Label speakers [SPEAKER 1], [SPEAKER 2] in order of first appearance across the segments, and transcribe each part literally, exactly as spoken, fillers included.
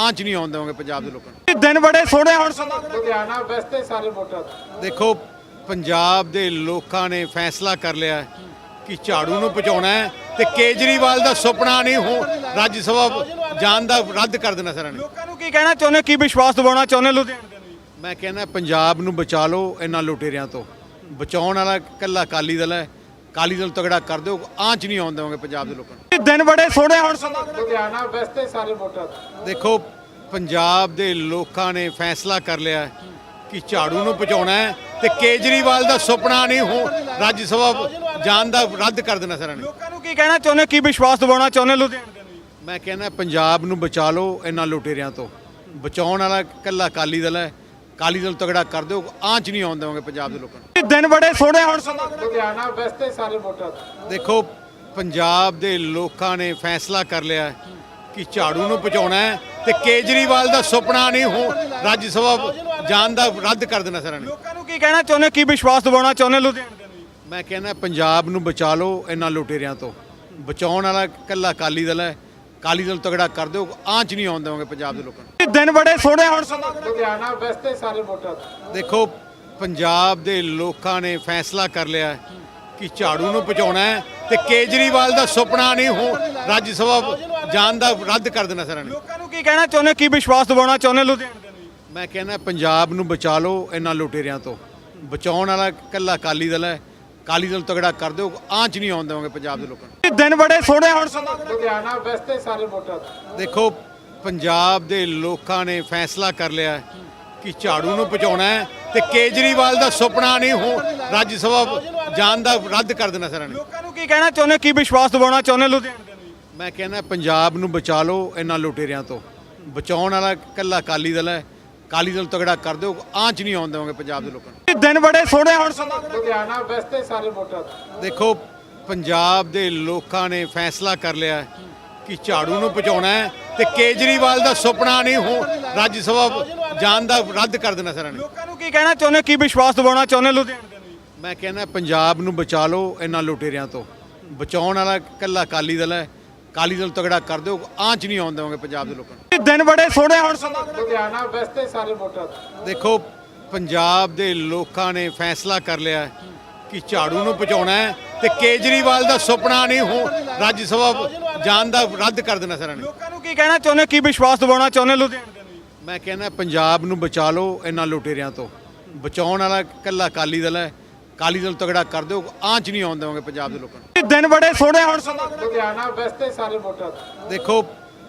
[SPEAKER 1] ਆਂਚ ਨਹੀਂ ਆਉਣ ਦੇਵਾਂਗੇ ਪੰਜਾਬ ਦੇ ਲੋਕਾਂ ਨੂੰ।
[SPEAKER 2] ਇਹ ਦਿਨ ਬੜੇ ਸੋਹਣੇ ਹੁਣ ਸਮਾਂ
[SPEAKER 3] ਲੁਧਿਆਣਾ ਵੈਸਤੇ ਸਾਰੇ ਵੋਟਰ
[SPEAKER 1] ਦੇਖੋ ਪੰਜਾਬ ਦੇ ਲੋਕਾਂ ਨੇ ਫੈਸਲਾ ਕਰ ਲਿਆ ਹੈ ਕਿ ਝਾੜੂ ਨੂੰ ਪਹੁੰਚਾਉਣਾ ਹੈ ਤੇ ਕੇਜਰੀਵਾਲ ਦਾ ਸੁਪਨਾ ਨਹੀਂ ਹੋ ਰਾਜ ਸਭਾ ਜਾਣ ਦਾ ਰੱਦ ਕਰ ਦੇਣਾ ਸਾਰਿਆਂ ਨੇ।
[SPEAKER 2] ਲੋਕਾਂ ਨੂੰ ਕੀ ਕਹਿਣਾ ਚਾਹੁੰਦੇ, ਕੀ ਵਿਸ਼ਵਾਸ ਦਿਵਾਉਣਾ ਚਾਹੁੰਦੇ ਲੁਧਿਆਣੇ ਦੇ ਲਈ?
[SPEAKER 1] ਮੈਂ ਕਹਿੰਦਾ ਪੰਜਾਬ ਨੂੰ ਬਚਾ ਲਓ ਇਹਨਾਂ ਲੁਟੇਰਿਆਂ ਤੋਂ। ਬਚਾਉਣ ਵਾਲਾ ਇਕੱਲਾ ਅਕਾਲੀ ਦਲ ਹੈ। ਅਕਾਲੀ ਦਲ ਤਗੜਾ ਕਰ ਦਿਓ, ਆਂਚ ਨਹੀਂ ਆਉਣ ਦੇਵਾਂਗੇ ਪੰਜਾਬ ਦੇ ਲੋਕਾਂ ਨੂੰ।
[SPEAKER 2] ਇਹ ਦਿਨ ਬੜੇ ਸੋਹਣੇ ਹੁਣ ਸਮਾਂ
[SPEAKER 3] ਲੁਧਿਆਣਾ ਵੈਸਤੇ ਸਾਰੇ ਵੋਟਰ
[SPEAKER 1] ਦੇਖੋ ਪੰਜਾਬ ਦੇ ਲੋਕਾਂ ਨੇ ਫੈਸਲਾ ਕਰ ਲਿਆ ਹੈ ਕਿ ਝਾੜੂ ਨੂੰ ਪਹੁੰਚਾਉਣਾ ਹੈ ਤੇ ਕੇਜਰੀਵਾਲ ਦਾ ਸੁਪਨਾ ਨਹੀਂ ਹੋ ਰਾਜ ਸਭਾ ਜਾਣ ਦਾ ਰੱਦ ਕਰ ਦੇਣਾ ਸਾਰਿਆਂ ਨੇ।
[SPEAKER 2] ਲੋਕਾਂ ਨੂੰ ਕੀ ਕਹਿਣਾ ਚਾਹੁੰਦੇ, ਕੀ ਵਿਸ਼ਵਾਸ ਦਿਵਾਉਣਾ ਚਾਹੁੰਦੇ ਲੁਧਿਆਣੇ ਦੇ ਲਈ?
[SPEAKER 1] ਮੈਂ ਕਹਿੰਦਾ ਪੰਜਾਬ ਨੂੰ ਬਚਾ ਲਓ ਇਹਨਾਂ ਲੁਟੇਰਿਆਂ ਤੋਂ। ਬਚਾਉਣ ਵਾਲਾ ਇਕੱਲਾ ਅਕਾਲੀ ਦਲ ਹੈ। ਅਕਾਲੀ ਦਲ ਤਗੜਾ ਕਰ ਦਿਓ, ਆਂਚ ਨਹੀਂ ਆਉਣ ਦੇਵਾਂਗੇ ਪੰਜਾਬ ਦੇ ਲੋਕਾਂ ਨੂੰ।
[SPEAKER 2] ਇਹ ਦਿਨ ਬੜੇ ਸੋਹਣੇ ਹੁਣ ਸਮਾਂ
[SPEAKER 3] ਲੁਧਿਆਣਾ ਵੈਸਤੇ ਸਾਰੇ ਵੋਟਰ
[SPEAKER 1] ਦੇਖੋ ਪੰਜਾਬ ਦੇ ਲੋਕਾਂ ਨੇ ਫੈਸਲਾ ਕਰ ਲਿਆ ਹੈ ਕਿ ਝਾੜੂ ਨੂੰ ਪਹੁੰਚਾਉਣਾ ਹੈ ਤੇ ਕੇਜਰੀਵਾਲ ਦਾ ਸੁਪਨਾ ਨਹੀਂ ਹੋ ਰਾਜ ਸਭਾ ਜਾਣ ਦਾ ਰੱਦ ਕਰ ਦੇਣਾ ਸਾਰਿਆਂ ਨੇ।
[SPEAKER 2] ਲੋਕਾਂ ਨੂੰ ਕੀ ਕਹਿਣਾ ਚਾਹੁੰਦੇ, ਕੀ ਵਿਸ਼ਵਾਸ ਦਿਵਾਉਣਾ ਚਾਹੁੰਦੇ ਲੁਧਿਆਣੇ ਦੇ ਲਈ?
[SPEAKER 1] ਮੈਂ ਕਹਿੰਦਾ ਪੰਜਾਬ ਨੂੰ ਬਚਾ ਲਓ ਇਹਨਾਂ ਲੁਟੇਰਿਆਂ ਤੋਂ। ਬਚਾਉਣ ਵਾਲਾ ਇਕੱਲਾ ਅਕਾਲੀ ਦਲ ਹੈ। ਅਕਾਲੀ ਦਲ ਤਗੜਾ ਕਰ ਦਿਓ, ਆਂਚ ਨਹੀਂ ਆਉਣ ਦੇਵਾਂਗੇ ਪੰਜਾਬ ਦੇ ਲੋਕਾਂ ਨੂੰ।
[SPEAKER 2] ਇਹ ਦਿਨ ਬੜੇ ਸੋਹਣੇ ਹੁਣ ਸਮਾਂ
[SPEAKER 3] ਲੁਧਿਆਣਾ ਵੈਸਤੇ ਸਾਰੇ ਵੋਟਰ
[SPEAKER 1] ਦੇਖੋ ਪੰਜਾਬ ਦੇ ਲੋਕਾਂ ਨੇ ਫੈਸਲਾ ਕਰ ਲਿਆ ਹੈ ਕਿ ਝਾੜੂ ਨੂੰ ਪਹੁੰਚਾਉਣਾ ਹੈ ਤੇ ਕੇਜਰੀਵਾਲ ਦਾ ਸੁਪਨਾ ਨਹੀਂ ਹੋ ਰਾਜ ਸਭਾ ਜਾਣ ਦਾ ਰੱਦ ਕਰ ਦੇਣਾ ਸਾਰਿਆਂ ਨੇ।
[SPEAKER 2] ਲੋਕਾਂ ਨੂੰ ਕੀ ਕਹਿਣਾ ਚਾਹੁੰਦੇ, ਕੀ ਵਿਸ਼ਵਾਸ ਦਿਵਾਉਣਾ ਚਾਹੁੰਦੇ ਲੁਧਿਆਣੇ ਦੇ ਲਈ?
[SPEAKER 1] ਮੈਂ ਕਹਿੰਦਾ ਪੰਜਾਬ ਨੂੰ ਬਚਾ ਲਓ ਇਹਨਾਂ ਲੁਟੇਰਿਆਂ ਤੋਂ। ਬਚਾਉਣ ਵਾਲਾ ਇਕੱਲਾ ਅਕਾਲੀ ਦਲ ਹੈ। ਅਕਾਲੀ ਦਲ ਤਗੜਾ ਕਰ ਦਿਓ, ਆਂਚ ਨਹੀਂ ਆਉਣ ਦੇਵਾਂਗੇ ਪੰਜਾਬ ਦੇ ਲੋਕਾਂ ਨੂੰ।
[SPEAKER 2] ਇਹ ਦਿਨ ਬੜੇ ਸੋਹਣੇ ਹੁਣ ਸਮਾਂ
[SPEAKER 3] ਲੁਧਿਆਣਾ ਵੈਸਤੇ ਸਾਰੇ ਵੋਟਰ
[SPEAKER 1] ਦੇਖੋ ਪੰਜਾਬ ਦੇ ਲੋਕਾਂ ਨੇ ਫੈਸਲਾ ਕਰ ਲਿਆ ਹੈ ਕਿ ਝਾੜੂ ਨੂੰ ਪਹੁੰਚਾਉਣਾ ਹੈ ਤੇ ਕੇਜਰੀਵਾਲ ਦਾ ਸੁਪਨਾ ਨਹੀਂ ਹੋ ਰਾਜ ਸਭਾ ਜਾਣ ਦਾ ਰੱਦ ਕਰ ਦੇਣਾ ਸਾਰਿਆਂ ਨੇ।
[SPEAKER 2] ਲੋਕਾਂ ਨੂੰ ਕੀ ਕਹਿਣਾ ਚਾਹੁੰਦੇ, ਕੀ ਵਿਸ਼ਵਾਸ ਦਿਵਾਉਣਾ ਚਾਹੁੰਦੇ ਲੁਧਿਆਣੇ ਦੇ ਲਈ?
[SPEAKER 1] ਮੈਂ ਕਹਿੰਦਾ ਪੰਜਾਬ ਨੂੰ ਬਚਾ ਲਓ ਇਹਨਾਂ ਲੁਟੇਰਿਆਂ ਤੋਂ। ਬਚਾਉਣ ਵਾਲਾ ਇਕੱਲਾ ਅਕਾਲੀ ਦਲ ਹੈ। ਅਕਾਲੀ ਦਲ ਤਗੜਾ ਕਰ ਦਿਓ, ਆਂਚ ਨਹੀਂ ਆਉਣ ਦੇਵਾਂਗੇ ਪੰਜਾਬ ਦੇ ਲੋਕਾਂ ਨੂੰ।
[SPEAKER 2] ਇਹ ਦਿਨ ਬੜੇ ਸੋਹਣੇ ਹੁਣ ਸਮਾਂ
[SPEAKER 3] ਲੁਧਿਆਣਾ ਵੈਸਤੇ ਸਾਰੇ ਵੋਟਰ
[SPEAKER 1] ਦੇਖੋ ਪੰਜਾਬ ਦੇ ਲੋਕਾਂ ਨੇ ਫੈਸਲਾ ਕਰ ਲਿਆ ਹੈ ਕਿ ਝਾੜੂ ਨੂੰ ਪਹੁੰਚਾਉਣਾ ਹੈ ਤੇ ਕੇਜਰੀਵਾਲ ਦਾ ਸੁਪਨਾ ਨਹੀਂ ਹੋ ਰਾਜ ਸਭਾ ਜਾਣ ਦਾ ਰੱਦ ਕਰ ਦੇਣਾ ਸਾਰਿਆਂ ਨੇ।
[SPEAKER 2] ਲੋਕਾਂ ਨੂੰ ਕੀ ਕਹਿਣਾ ਚਾਹੁੰਦੇ, ਕੀ ਵਿਸ਼ਵਾਸ ਦਿਵਾਉਣਾ ਚਾਹੁੰਦੇ ਲੁਧਿਆਣੇ ਦੇ ਲਈ?
[SPEAKER 1] ਮੈਂ ਕਹਿੰਦਾ ਪੰਜਾਬ ਨੂੰ ਬਚਾ ਲਓ ਇਹਨਾਂ ਲੁਟੇਰਿਆਂ ਤੋਂ। ਬਚਾਉਣ ਵਾਲਾ ਇਕੱਲਾ ਅਕਾਲੀ ਦਲ ਹੈ। ਅਕਾਲੀ ਦਲ ਤਗੜਾ ਕਰ ਦਿਓ, ਆਂਚ ਨਹੀਂ ਆਉਣ ਦੇਵਾਂਗੇ ਪੰਜਾਬ ਦੇ ਲੋਕਾਂ ਨੂੰ।
[SPEAKER 2] ਇਹ ਦਿਨ ਬੜੇ ਸੋਹਣੇ ਹੁਣ ਸਮਾਂ
[SPEAKER 3] ਲੁਧਿਆਣਾ ਵੈਸਤੇ ਸਾਰੇ ਵੋਟਰ
[SPEAKER 1] ਦੇਖੋ ਪੰਜਾਬ ਦੇ ਲੋਕਾਂ ਨੇ ਫੈਸਲਾ ਕਰ ਲਿਆ ਹੈ ਕਿ ਝਾੜੂ ਨੂੰ ਪਹੁੰਚਾਉਣਾ ਹੈ ਤੇ ਕੇਜਰੀਵਾਲ ਦਾ ਸੁਪਨਾ ਨਹੀਂ ਹੋ ਰਾਜ ਸਭਾ ਜਾਣ ਦਾ ਰੱਦ ਕਰ ਦੇਣਾ ਸਾਰਿਆਂ ਨੇ।
[SPEAKER 2] ਲੋਕਾਂ ਨੂੰ ਕੀ ਕਹਿਣਾ ਚਾਹੁੰਦੇ, ਕੀ ਵਿਸ਼ਵਾਸ ਦਿਵਾਉਣਾ ਚਾਹੁੰਦੇ ਲੁਧਿਆਣੇ ਦੇ ਲਈ?
[SPEAKER 1] ਮੈਂ ਕਹਿੰਦਾ ਪੰਜਾਬ ਨੂੰ ਬਚਾ ਲਓ ਇਹਨਾਂ ਲੁਟੇਰਿਆਂ ਤੋਂ। ਬਚਾਉਣ ਵਾਲਾ ਇਕੱਲਾ ਅਕਾਲੀ ਦਲ ਹੈ। ਅਕਾਲੀ ਦਲ ਤਗੜਾ ਕਰ ਦਿਓ, ਆਂਚ ਨਹੀਂ ਆਉਣ ਦੇਵਾਂਗੇ ਪੰਜਾਬ ਦੇ ਲੋਕਾਂ ਨੂੰ।
[SPEAKER 2] ਇਹ ਦਿਨ ਬੜੇ ਸੋਹਣੇ ਹੁਣ ਸਮਾਂ
[SPEAKER 3] ਲੁਧਿਆਣਾ ਵੈਸਤੇ ਸਾਰੇ ਵੋਟਰ
[SPEAKER 1] ਦੇਖੋ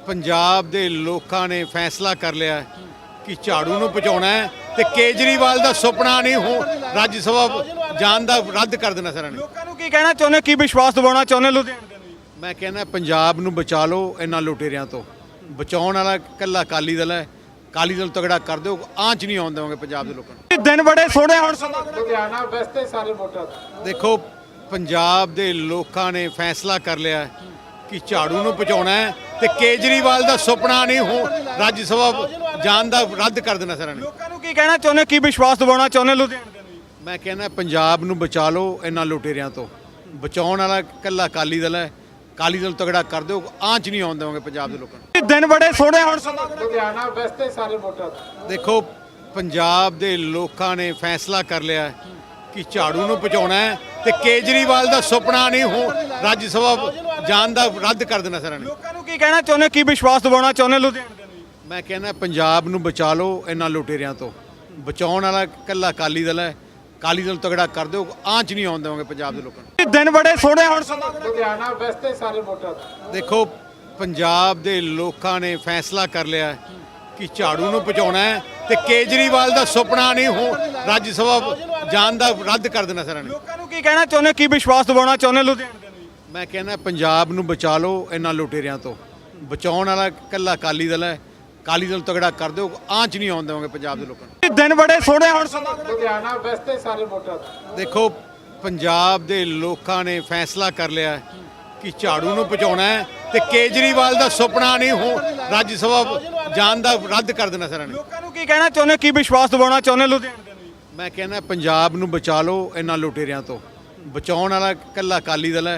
[SPEAKER 1] ਪੰਜਾਬ ਦੇ ਲੋਕਾਂ ਨੇ ਫੈਸਲਾ ਕਰ ਲਿਆ ਹੈ ਕਿ ਝਾੜੂ ਨੂੰ ਪਹੁੰਚਾਉਣਾ ਹੈ ਤੇ ਕੇਜਰੀਵਾਲ ਦਾ ਸੁਪਨਾ ਨਹੀਂ ਹੋ ਰਾਜ ਸਭਾ ਜਾਣ ਦਾ ਰੱਦ ਕਰ ਦੇਣਾ ਸਾਰਿਆਂ ਨੇ।
[SPEAKER 2] ਲੋਕਾਂ ਨੂੰ ਕੀ ਕਹਿਣਾ ਚਾਹੁੰਦੇ, ਕੀ ਵਿਸ਼ਵਾਸ ਦਿਵਾਉਣਾ ਚਾਹੁੰਦੇ ਲੁਧਿਆਣੇ ਦੇ ਲਈ?
[SPEAKER 1] ਮੈਂ ਕਹਿੰਦਾ ਪੰਜਾਬ ਨੂੰ ਬਚਾ ਲਓ ਇਹਨਾਂ ਲੁਟੇਰਿਆਂ ਤੋਂ। ਬਚਾਉਣ ਵਾਲਾ ਇਕੱਲਾ ਅਕਾਲੀ ਦਲ ਹੈ। ਅਕਾਲੀ ਦਲ ਤਗੜਾ ਕਰ ਦਿਓ, ਆਂਚ ਨਹੀਂ ਆਉਣ ਦੇਵਾਂਗੇ ਪੰਜਾਬ ਦੇ ਲੋਕਾਂ ਨੂੰ।
[SPEAKER 2] ਇਹ ਦਿਨ ਬੜੇ ਸੋਹਣੇ ਹੁਣ ਸਮਾਂ
[SPEAKER 3] ਲੁਧਿਆਣਾ ਵੈਸਤੇ ਸਾਰੇ ਵੋਟਰ
[SPEAKER 1] ਦੇਖੋ ਪੰਜਾਬ ਦੇ ਲੋਕਾਂ ਨੇ ਫੈਸਲਾ ਕਰ ਲਿਆ ਹੈ ਕਿ ਝਾੜੂ ਨੂੰ ਪਹੁੰਚਾਉਣਾ ਹੈ ਤੇ ਕੇਜਰੀਵਾਲ ਦਾ ਸੁਪਨਾ ਨਹੀਂ ਹੋ ਰਾਜ ਸਭਾ ਜਾਣ ਦਾ ਰੱਦ ਕਰ ਦੇਣਾ ਸਾਰਿਆਂ ਨੇ।
[SPEAKER 2] ਲੋਕਾਂ ਨੂੰ ਕੀ ਕਹਿਣਾ ਚਾਹੁੰਦੇ, ਕੀ ਵਿਸ਼ਵਾਸ ਦਿਵਾਉਣਾ ਚਾਹੁੰਦੇ ਲੁਧਿਆਣੇ ਦੇ ਲਈ?
[SPEAKER 1] ਮੈਂ ਕਹਿੰਦਾ ਪੰਜਾਬ ਨੂੰ ਬਚਾ ਲਓ ਇਹਨਾਂ ਲੁਟੇਰਿਆਂ ਤੋਂ। ਬਚਾਉਣ ਵਾਲਾ ਇਕੱਲਾ ਅਕਾਲੀ ਦਲ ਹੈ। ਅਕਾਲੀ ਦਲ ਤਗੜਾ ਕਰ ਦਿਓ, ਆਂਚ ਨਹੀਂ ਆਉਣ ਦੇਵਾਂਗੇ ਪੰਜਾਬ ਦੇ ਲੋਕਾਂ ਨੂੰ।
[SPEAKER 2] ਇਹ ਦਿਨ ਬੜੇ ਸੋਹਣੇ ਹੁਣ ਸਮਾਂ
[SPEAKER 3] ਲੁਧਿਆਣਾ ਵੈਸਤੇ ਸਾਰੇ ਵੋਟਰ
[SPEAKER 1] ਦੇਖੋ ਪੰਜਾਬ ਦੇ ਲੋਕਾਂ ਨੇ ਫੈਸਲਾ ਕਰ ਲਿਆ ਹੈ ਕਿ ਝਾੜੂ ਨੂੰ ਪਹੁੰਚਾਉਣਾ ਹੈ ਤੇ ਕੇਜਰੀਵਾਲ ਦਾ ਸੁਪਨਾ ਨਹੀਂ ਹੋ ਰਾਜ ਸਭਾ ਜਾਣ ਦਾ ਰੱਦ ਕਰ ਦੇਣਾ ਸਾਰਿਆਂ ਨੇ।
[SPEAKER 2] ਲੋਕਾਂ ਨੂੰ ਕੀ ਕਹਿਣਾ ਚਾਹੁੰਦੇ, ਕੀ ਵਿਸ਼ਵਾਸ ਦਿਵਾਉਣਾ ਚਾਹੁੰਦੇ ਲੁਧਿਆਣੇ ਦੇ ਲਈ?
[SPEAKER 1] ਮੈਂ ਕਹਿੰਦਾ ਪੰਜਾਬ ਨੂੰ ਬਚਾ ਲਓ ਇਹਨਾਂ ਲੁਟੇਰਿਆਂ ਤੋਂ। ਬਚਾਉਣ ਵਾਲਾ ਇਕੱਲਾ ਅਕਾਲੀ ਦਲ ਹੈ। ਅਕਾਲੀ ਦਲ ਤਗੜਾ ਕਰ ਦਿਓ, ਆਂਚ ਨਹੀਂ ਆਉਣ ਦੇਵਾਂਗੇ ਪੰਜਾਬ ਦੇ ਲੋਕਾਂ ਨੂੰ।
[SPEAKER 2] ਇਹ ਦਿਨ ਬੜੇ ਸੋਹਣੇ ਹੁਣ ਸਮਾਂ
[SPEAKER 3] ਲੁਧਿਆਣਾ ਵੈਸਤੇ ਸਾਰੇ ਵੋਟਰ
[SPEAKER 1] ਦੇਖੋ ਪੰਜਾਬ ਦੇ ਲੋਕਾਂ ਨੇ ਫੈਸਲਾ ਕਰ ਲਿਆ ਹੈ ਕਿ ਝਾੜੂ ਨੂੰ ਪਹੁੰਚਾਉਣਾ ਹੈ ਤੇ ਕੇਜਰੀਵਾਲ ਦਾ ਸੁਪਨਾ ਨਹੀਂ ਹੋ ਰਾਜ ਸਭਾ ਜਾਣ ਦਾ ਰੱਦ ਕਰ ਦੇਣਾ ਸਾਰਿਆਂ ਨੇ।
[SPEAKER 2] ਲੋਕਾਂ ਨੂੰ ਕੀ ਕਹਿਣਾ ਚਾਹੁੰਦੇ, ਕੀ ਵਿਸ਼ਵਾਸ ਦਿਵਾਉਣਾ ਚਾਹੁੰਦੇ ਲੁਧਿਆਣੇ ਦੇ ਲਈ?
[SPEAKER 1] ਮੈਂ ਕਹਿੰਦਾ ਪੰਜਾਬ ਨੂੰ ਬਚਾ ਲਓ ਇਹਨਾਂ ਲੁਟੇਰਿਆਂ ਤੋਂ। ਬਚਾਉਣ ਵਾਲਾ ਇਕੱਲਾ ਅਕਾਲੀ ਦਲ ਹੈ। ਅਕਾਲੀ ਦਲ ਤਗੜਾ ਕਰ ਦਿਓ, ਆਂਚ ਨਹੀਂ ਆਉਣ ਦੇਵਾਂਗੇ ਪੰਜਾਬ ਦੇ ਲੋਕਾਂ ਨੂੰ।
[SPEAKER 2] ਇਹ ਦਿਨ ਬੜੇ ਸੋਹਣੇ ਹੁਣ ਸਮਾਂ
[SPEAKER 3] ਲੁਧਿਆਣਾ ਵੈਸਤੇ ਸਾਰੇ ਵੋਟਰ
[SPEAKER 1] ਦੇਖੋ ਪੰਜਾਬ ਦੇ ਲੋਕਾਂ ਨੇ ਫੈਸਲਾ ਕਰ ਲਿਆ ਹੈ ਕਿ ਝਾੜੂ ਨੂੰ ਪਹੁੰਚਾਉਣਾ ਹੈ ਤੇ ਕੇਜਰੀਵਾਲ ਦਾ ਸੁਪਨਾ ਨਹੀਂ ਹੋ ਰਾਜ ਸਭਾ ਜਾਣ ਦਾ ਰੱਦ ਕਰ ਦੇਣਾ ਸਾਰਿਆਂ ਨੇ।
[SPEAKER 2] ਲੋਕਾਂ ਨੂੰ ਕੀ ਕਹਿਣਾ ਚਾਹੁੰਦੇ, ਕੀ ਵਿਸ਼ਵਾਸ ਦਿਵਾਉਣਾ ਚਾਹੁੰਦੇ ਲੁਧਿਆਣੇ ਦੇ ਲਈ?
[SPEAKER 1] ਮੈਂ ਕਹਿੰਦਾ ਪੰਜਾਬ ਨੂੰ ਬਚਾ ਲਓ ਇਹਨਾਂ ਲੁਟੇਰਿਆਂ ਤੋਂ। ਬਚਾਉਣ ਵਾਲਾ ਇਕੱਲਾ ਅਕਾਲੀ ਦਲ ਹੈ।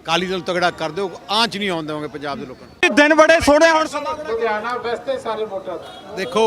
[SPEAKER 1] ਅਕਾਲੀ ਦਲ ਤਗੜਾ ਕਰ ਦਿਓ, ਆਂਚ ਨਹੀਂ ਆਉਣ ਦੇਵਾਂਗੇ ਪੰਜਾਬ ਦੇ ਲੋਕਾਂ ਨੂੰ।
[SPEAKER 2] ਇਹ ਦਿਨ ਬੜੇ ਸੋਹਣੇ ਹੁਣ ਸਮਾਂ
[SPEAKER 3] ਲੁਧਿਆਣਾ ਵੈਸਤੇ ਸਾਰੇ ਵੋਟਾਂ ਦਾ।
[SPEAKER 1] ਦੇਖੋ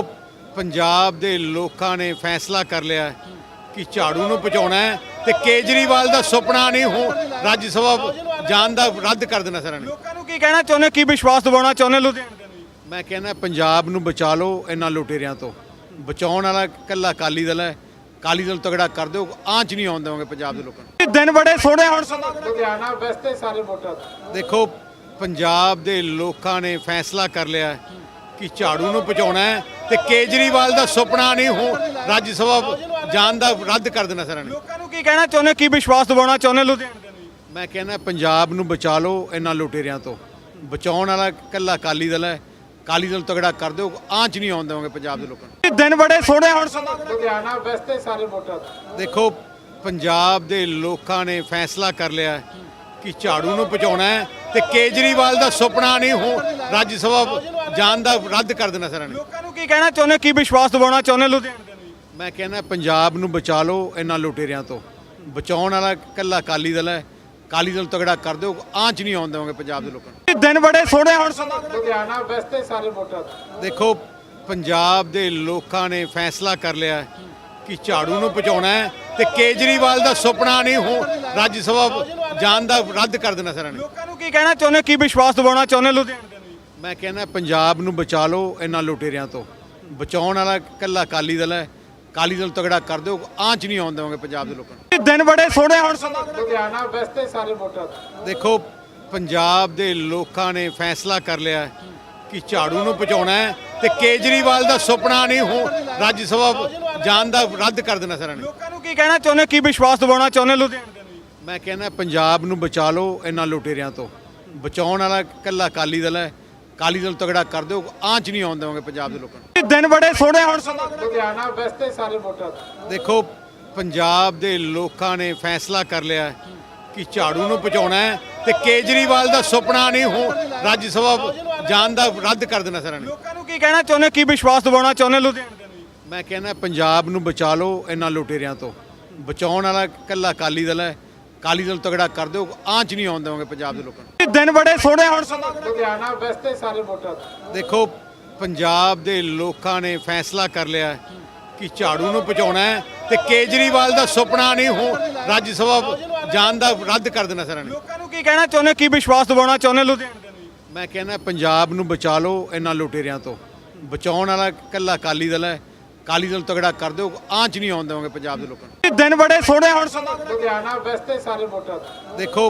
[SPEAKER 1] ਪੰਜਾਬ ਦੇ ਲੋਕਾਂ ਨੇ ਫੈਸਲਾ ਕਰ ਲਿਆ ਕਿ ਝਾੜੂ ਨੂੰ ਪਹੁੰਚਾਉਣਾ ਹੈ ਤੇ ਕੇਜਰੀਵਾਲ ਦਾ ਸੁਪਨਾ ਨਹੀਂ ਹੋ ਰਾਜ ਸਭਾ ਜਾਣ ਦਾ ਰੱਦ ਕਰ ਦੇਣਾ ਸਾਰਿਆਂ ਨੇ।
[SPEAKER 2] ਲੋਕਾਂ ਨੂੰ ਕੀ ਕਹਿਣਾ ਚਾਹੁੰਦੇ, ਕੀ ਵਿਸ਼ਵਾਸ ਦਿਵਾਉਣਾ ਚਾਹੁੰਦੇ ਲੁਧਿਆਣੇ ਦੇ ਨੂੰ ਜੀ?
[SPEAKER 1] ਮੈਂ ਕਹਿੰਦਾ ਪੰਜਾਬ ਨੂੰ ਬਚਾ ਲਓ ਇਹਨਾਂ ਲੁਟੇਰਿਆਂ ਤੋਂ। ਬਚਾਉਣ ਵਾਲਾ ਇਕੱਲਾ ਅਕਾਲੀ ਦਲ ਹੈ। ਅਕਾਲੀ ਦਲ ਤਗੜਾ ਕਰ ਦਿਓ, ਆਂਚ ਨਹੀਂ ਆਉਣ ਦੇਵਾਂਗੇ ਪੰਜਾਬ ਦੇ ਲੋਕਾਂ ਨੂੰ।
[SPEAKER 2] ਇਹ ਦਿਨ ਬੜੇ ਸੋਹਣੇ ਹੁਣ ਸਮਾਂ
[SPEAKER 3] ਲੁਧਿਆਣਾ ਵੈਸਤੇ ਸਾਰੇ ਵੋਟਾਂ ਦਾ।
[SPEAKER 1] ਦੇਖੋ ਪੰਜਾਬ ਦੇ ਲੋਕਾਂ ਨੇ ਫੈਸਲਾ ਕਰ ਲਿਆ ਕਿ ਝਾੜੂ ਨੂੰ ਪਹੁੰਚਾਉਣਾ ਹੈ ਤੇ ਕੇਜਰੀਵਾਲ ਦਾ ਸੁਪਨਾ ਨਹੀਂ ਹੋ ਰਾਜ ਸਭਾ ਜਾਣ ਦਾ ਰੱਦ ਕਰ ਦੇਣਾ ਸਾਰਿਆਂ ਨੇ।
[SPEAKER 2] ਲੋਕਾਂ ਨੂੰ ਕੀ ਕਹਿਣਾ ਚਾਹੁੰਦੇ, ਕੀ ਵਿਸ਼ਵਾਸ ਦਿਵਾਉਣਾ ਚਾਹੁੰਦੇ ਲੁਧਿਆਣੇ ਦੇ ਨੂੰ ਜੀ?
[SPEAKER 1] ਮੈਂ ਕਹਿੰਦਾ ਪੰਜਾਬ ਨੂੰ ਬਚਾ ਲਓ ਇਹਨਾਂ ਲੁਟੇਰਿਆਂ ਤੋਂ। ਬਚਾਉਣ ਵਾਲਾ ਇਕੱਲਾ ਅਕਾਲੀ ਦਲ ਹੈ। ਅਕਾਲੀ ਦਲ ਤਗੜਾ ਕਰ ਦਿਓ, ਆਂਚ ਨਹੀਂ ਆਉਣ ਦੇਵਾਂਗੇ ਪੰਜਾਬ ਦੇ ਲੋਕਾਂ ਨੂੰ।
[SPEAKER 2] ਇਹ ਦਿਨ ਬੜੇ ਸੋਹਣੇ ਹੁਣ ਸਮਾਂ
[SPEAKER 3] ਲੁਧਿਆਣਾ ਵੈਸਤੇ ਸਾਰੇ ਵੋਟਾਂ ਦਾ।
[SPEAKER 1] ਦੇਖੋ ਪੰਜਾਬ ਦੇ ਲੋਕਾਂ ਨੇ ਫੈਸਲਾ ਕਰ ਲਿਆ ਕਿ ਝਾੜੂ ਨੂੰ ਪਹੁੰਚਾਉਣਾ ਹੈ ਤੇ ਕੇਜਰੀਵਾਲ ਦਾ ਸੁਪਨਾ ਨਹੀਂ ਹੋ ਰਾਜ ਸਭਾ ਜਾਣ ਦਾ ਰੱਦ ਕਰ ਦੇਣਾ ਸਾਰਿਆਂ ਨੇ।
[SPEAKER 2] ਲੋਕਾਂ ਨੂੰ ਕੀ ਕਹਿਣਾ ਚਾਹੁੰਦੇ, ਕੀ ਵਿਸ਼ਵਾਸ ਦਿਵਾਉਣਾ ਚਾਹੁੰਦੇ ਲੁਧਿਆਣੇ ਦੇ ਨੂੰ ਜੀ?
[SPEAKER 1] ਮੈਂ ਕਹਿੰਦਾ ਪੰਜਾਬ ਨੂੰ ਬਚਾ ਲਓ ਇਹਨਾਂ ਲੁਟੇਰਿਆਂ ਤੋਂ। ਬਚਾਉਣ ਵਾਲਾ ਇਕੱਲਾ ਅਕਾਲੀ ਦਲ ਹੈ। ਅਕਾਲੀ ਦਲ ਤਗੜਾ ਕਰ ਦਿਓ, ਆਂਚ ਨਹੀਂ ਆਉਣ ਦੇਵਾਂਗੇ ਪੰਜਾਬ ਦੇ ਲੋਕਾਂ ਨੂੰ।
[SPEAKER 2] ਇਹ ਦਿਨ ਬੜੇ ਸੋਹਣੇ ਹੁਣ ਸਮਾਂ
[SPEAKER 3] ਲੁਧਿਆਣਾ ਵੈਸਤੇ ਸਾਰੇ ਵੋਟਾਂ ਦਾ।
[SPEAKER 1] ਦੇਖੋ ਪੰਜਾਬ ਦੇ ਲੋਕਾਂ ਨੇ ਫੈਸਲਾ ਕਰ ਲਿਆ ਕਿ ਝਾੜੂ ਨੂੰ ਪਹੁੰਚਾਉਣਾ ਹੈ ਤੇ ਕੇਜਰੀਵਾਲ ਦਾ ਸੁਪਨਾ ਨਹੀਂ ਹੋ ਰਾਜ ਸਭਾ ਜਾਣ ਦਾ ਰੱਦ ਕਰ ਦੇਣਾ ਸਾਰਿਆਂ ਨੇ।
[SPEAKER 2] ਲੋਕਾਂ ਨੂੰ ਕੀ ਕਹਿਣਾ ਚਾਹੁੰਦੇ, ਕੀ ਵਿਸ਼ਵਾਸ ਦਿਵਾਉਣਾ ਚਾਹੁੰਦੇ ਲੁਧਿਆਣੇ ਦੇ ਨੂੰ ਜੀ?
[SPEAKER 1] ਮੈਂ ਕਹਿੰਦਾ ਪੰਜਾਬ ਨੂੰ ਬਚਾ ਲਓ ਇਹਨਾਂ ਲੁਟੇਰਿਆਂ ਤੋਂ। ਬਚਾਉਣ ਵਾਲਾ ਇਕੱਲਾ ਅਕਾਲੀ ਦਲ ਹੈ। ਅਕਾਲੀ ਦਲ ਤਗੜਾ ਕਰ ਦਿਓ, ਆਂਚ ਨਹੀਂ ਆਉਣ ਦੇਵਾਂਗੇ ਪੰਜਾਬ ਦੇ ਲੋਕਾਂ ਨੂੰ।
[SPEAKER 2] ਇਹ ਦਿਨ ਬੜੇ ਸੋਹਣੇ ਹੁਣ ਸਮਾਂ
[SPEAKER 3] ਲੁਧਿਆਣਾ ਵੈਸਤੇ ਸਾਰੇ ਵੋਟਾਂ ਦਾ।
[SPEAKER 1] ਦੇਖੋ ਪੰਜਾਬ ਦੇ ਲੋਕਾਂ ਨੇ ਫੈਸਲਾ ਕਰ ਲਿਆ ਕਿ ਝਾੜੂ ਨੂੰ ਪਹੁੰਚਾਉਣਾ ਹੈ ਤੇ ਕੇਜਰੀਵਾਲ ਦਾ ਸੁਪਨਾ ਨਹੀਂ ਹੋ ਰਾਜ ਸਭਾ ਜਾਣ ਦਾ ਰੱਦ ਕਰ ਦੇਣਾ ਸਾਰਿਆਂ ਨੇ।
[SPEAKER 2] ਲੋਕਾਂ ਨੂੰ ਕੀ ਕਹਿਣਾ ਚਾਹੁੰਦੇ, ਕੀ ਵਿਸ਼ਵਾਸ ਦਿਵਾਉਣਾ ਚਾਹੁੰਦੇ ਲੁਧਿਆਣੇ ਦੇ ਨੂੰ ਜੀ?
[SPEAKER 1] ਮੈਂ ਕਹਿੰਦਾ ਪੰਜਾਬ ਨੂੰ ਬਚਾ ਲਓ ਇਹਨਾਂ ਲੁਟੇਰਿਆਂ ਤੋਂ। ਬਚਾਉਣ ਵਾਲਾ ਇਕੱਲਾ ਅਕਾਲੀ ਦਲ ਹੈ। ਅਕਾਲੀ ਦਲ ਤਗੜਾ ਕਰ ਦਿਓ, ਆਂਚ ਨਹੀਂ ਆਉਣ ਦੇਵਾਂਗੇ ਪੰਜਾਬ ਦੇ ਲੋਕਾਂ ਨੂੰ।
[SPEAKER 2] ਇਹ ਦਿਨ ਬੜੇ ਸੋਹਣੇ ਹੁਣ ਸਮਾਂ
[SPEAKER 3] ਲੁਧਿਆਣਾ ਵੈਸਤੇ ਸਾਰੇ ਵੋਟਾਂ ਦਾ।
[SPEAKER 1] ਦੇਖੋ ਪੰਜਾਬ ਦੇ ਲੋਕਾਂ ਨੇ ਫੈਸਲਾ ਕਰ ਲਿਆ ਕਿ ਝਾੜੂ ਨੂੰ ਪਹੁੰਚਾਉਣਾ ਹੈ ਤੇ ਕੇਜਰੀਵਾਲ ਦਾ ਸੁਪਨਾ ਨਹੀਂ ਹੋ ਰਾਜ ਸਭਾ ਜਾਣ ਦਾ ਰੱਦ ਕਰ ਦੇਣਾ ਸਾਰਿਆਂ ਨੇ।
[SPEAKER 2] ਲੋਕਾਂ ਨੂੰ ਕੀ ਕਹਿਣਾ ਚਾਹੁੰਦੇ, ਕੀ ਵਿਸ਼ਵਾਸ ਦਿਵਾਉਣਾ ਚਾਹੁੰਦੇ ਲੁਧਿਆਣੇ ਦੇ ਨੂੰ ਜੀ?
[SPEAKER 1] ਮੈਂ ਕਹਿੰਦਾ ਪੰਜਾਬ ਨੂੰ ਬਚਾ ਲਓ ਇਹਨਾਂ ਲੁਟੇਰਿਆਂ ਤੋਂ। ਬਚਾਉਣ ਵਾਲਾ ਇਕੱਲਾ ਅਕਾਲੀ ਦਲ ਹੈ। ਅਕਾਲੀ ਦਲ ਤਗੜਾ ਕਰ ਦਿਓ, ਆਂਚ ਨਹੀਂ ਆਉਣ ਦੇਵਾਂਗੇ ਪੰਜਾਬ ਦੇ ਲੋਕਾਂ ਨੂੰ।
[SPEAKER 2] ਇਹ ਦਿਨ ਬੜੇ ਸੋਹਣੇ ਹੁਣ ਸਮਾਂ
[SPEAKER 3] ਲੁਧਿਆਣਾ ਵੈਸਤੇ ਸਾਰੇ ਵੋਟਾਂ ਦਾ।
[SPEAKER 1] ਦੇਖੋ ਪੰਜਾਬ ਦੇ ਲੋਕਾਂ ਨੇ ਫੈਸਲਾ ਕਰ ਲਿਆ ਕਿ ਝਾੜੂ ਨੂੰ ਪਹੁੰਚਾਉਣਾ ਹੈ ਤੇ ਕੇਜਰੀਵਾਲ ਦਾ ਸੁਪਨਾ ਨਹੀਂ ਹੋ ਰਾਜ ਸਭਾ ਜਾਣ ਦਾ ਰੱਦ ਕਰ ਦੇਣਾ ਸਾਰਿਆਂ ਨੇ।
[SPEAKER 2] ਲੋਕਾਂ ਨੂੰ ਕੀ ਕਹਿਣਾ ਚਾਹੁੰਦੇ, ਕੀ ਵਿਸ਼ਵਾਸ ਦਿਵਾਉਣਾ ਚਾਹੁੰਦੇ ਲੁਧਿਆਣੇ ਦੇ ਨੂੰ ਜੀ?
[SPEAKER 1] ਮੈਂ ਕਹਿੰਦਾ ਪੰਜਾਬ ਨੂੰ ਬਚਾ ਲਓ ਇਹਨਾਂ ਲੁਟੇਰਿਆਂ ਤੋਂ। ਬਚਾਉਣ ਵਾਲਾ ਇਕੱਲਾ ਅਕਾਲੀ ਦਲ ਹੈ। ਅਕਾਲੀ ਦਲ ਤਗੜਾ ਕਰ ਦਿਓ, ਆਂਚ ਨਹੀਂ ਆਉਣ ਦੇਵਾਂਗੇ ਪੰਜਾਬ ਦੇ ਲੋਕਾਂ ਨੂੰ।
[SPEAKER 2] ਇਹ ਦਿਨ ਬੜੇ ਸੋਹਣੇ ਹੁਣ ਸਮਾਂ
[SPEAKER 3] ਲੁਧਿਆਣਾ ਵੈਸਤੇ ਸਾਰੇ ਵੋਟਾਂ ਦਾ।
[SPEAKER 1] ਦੇਖੋ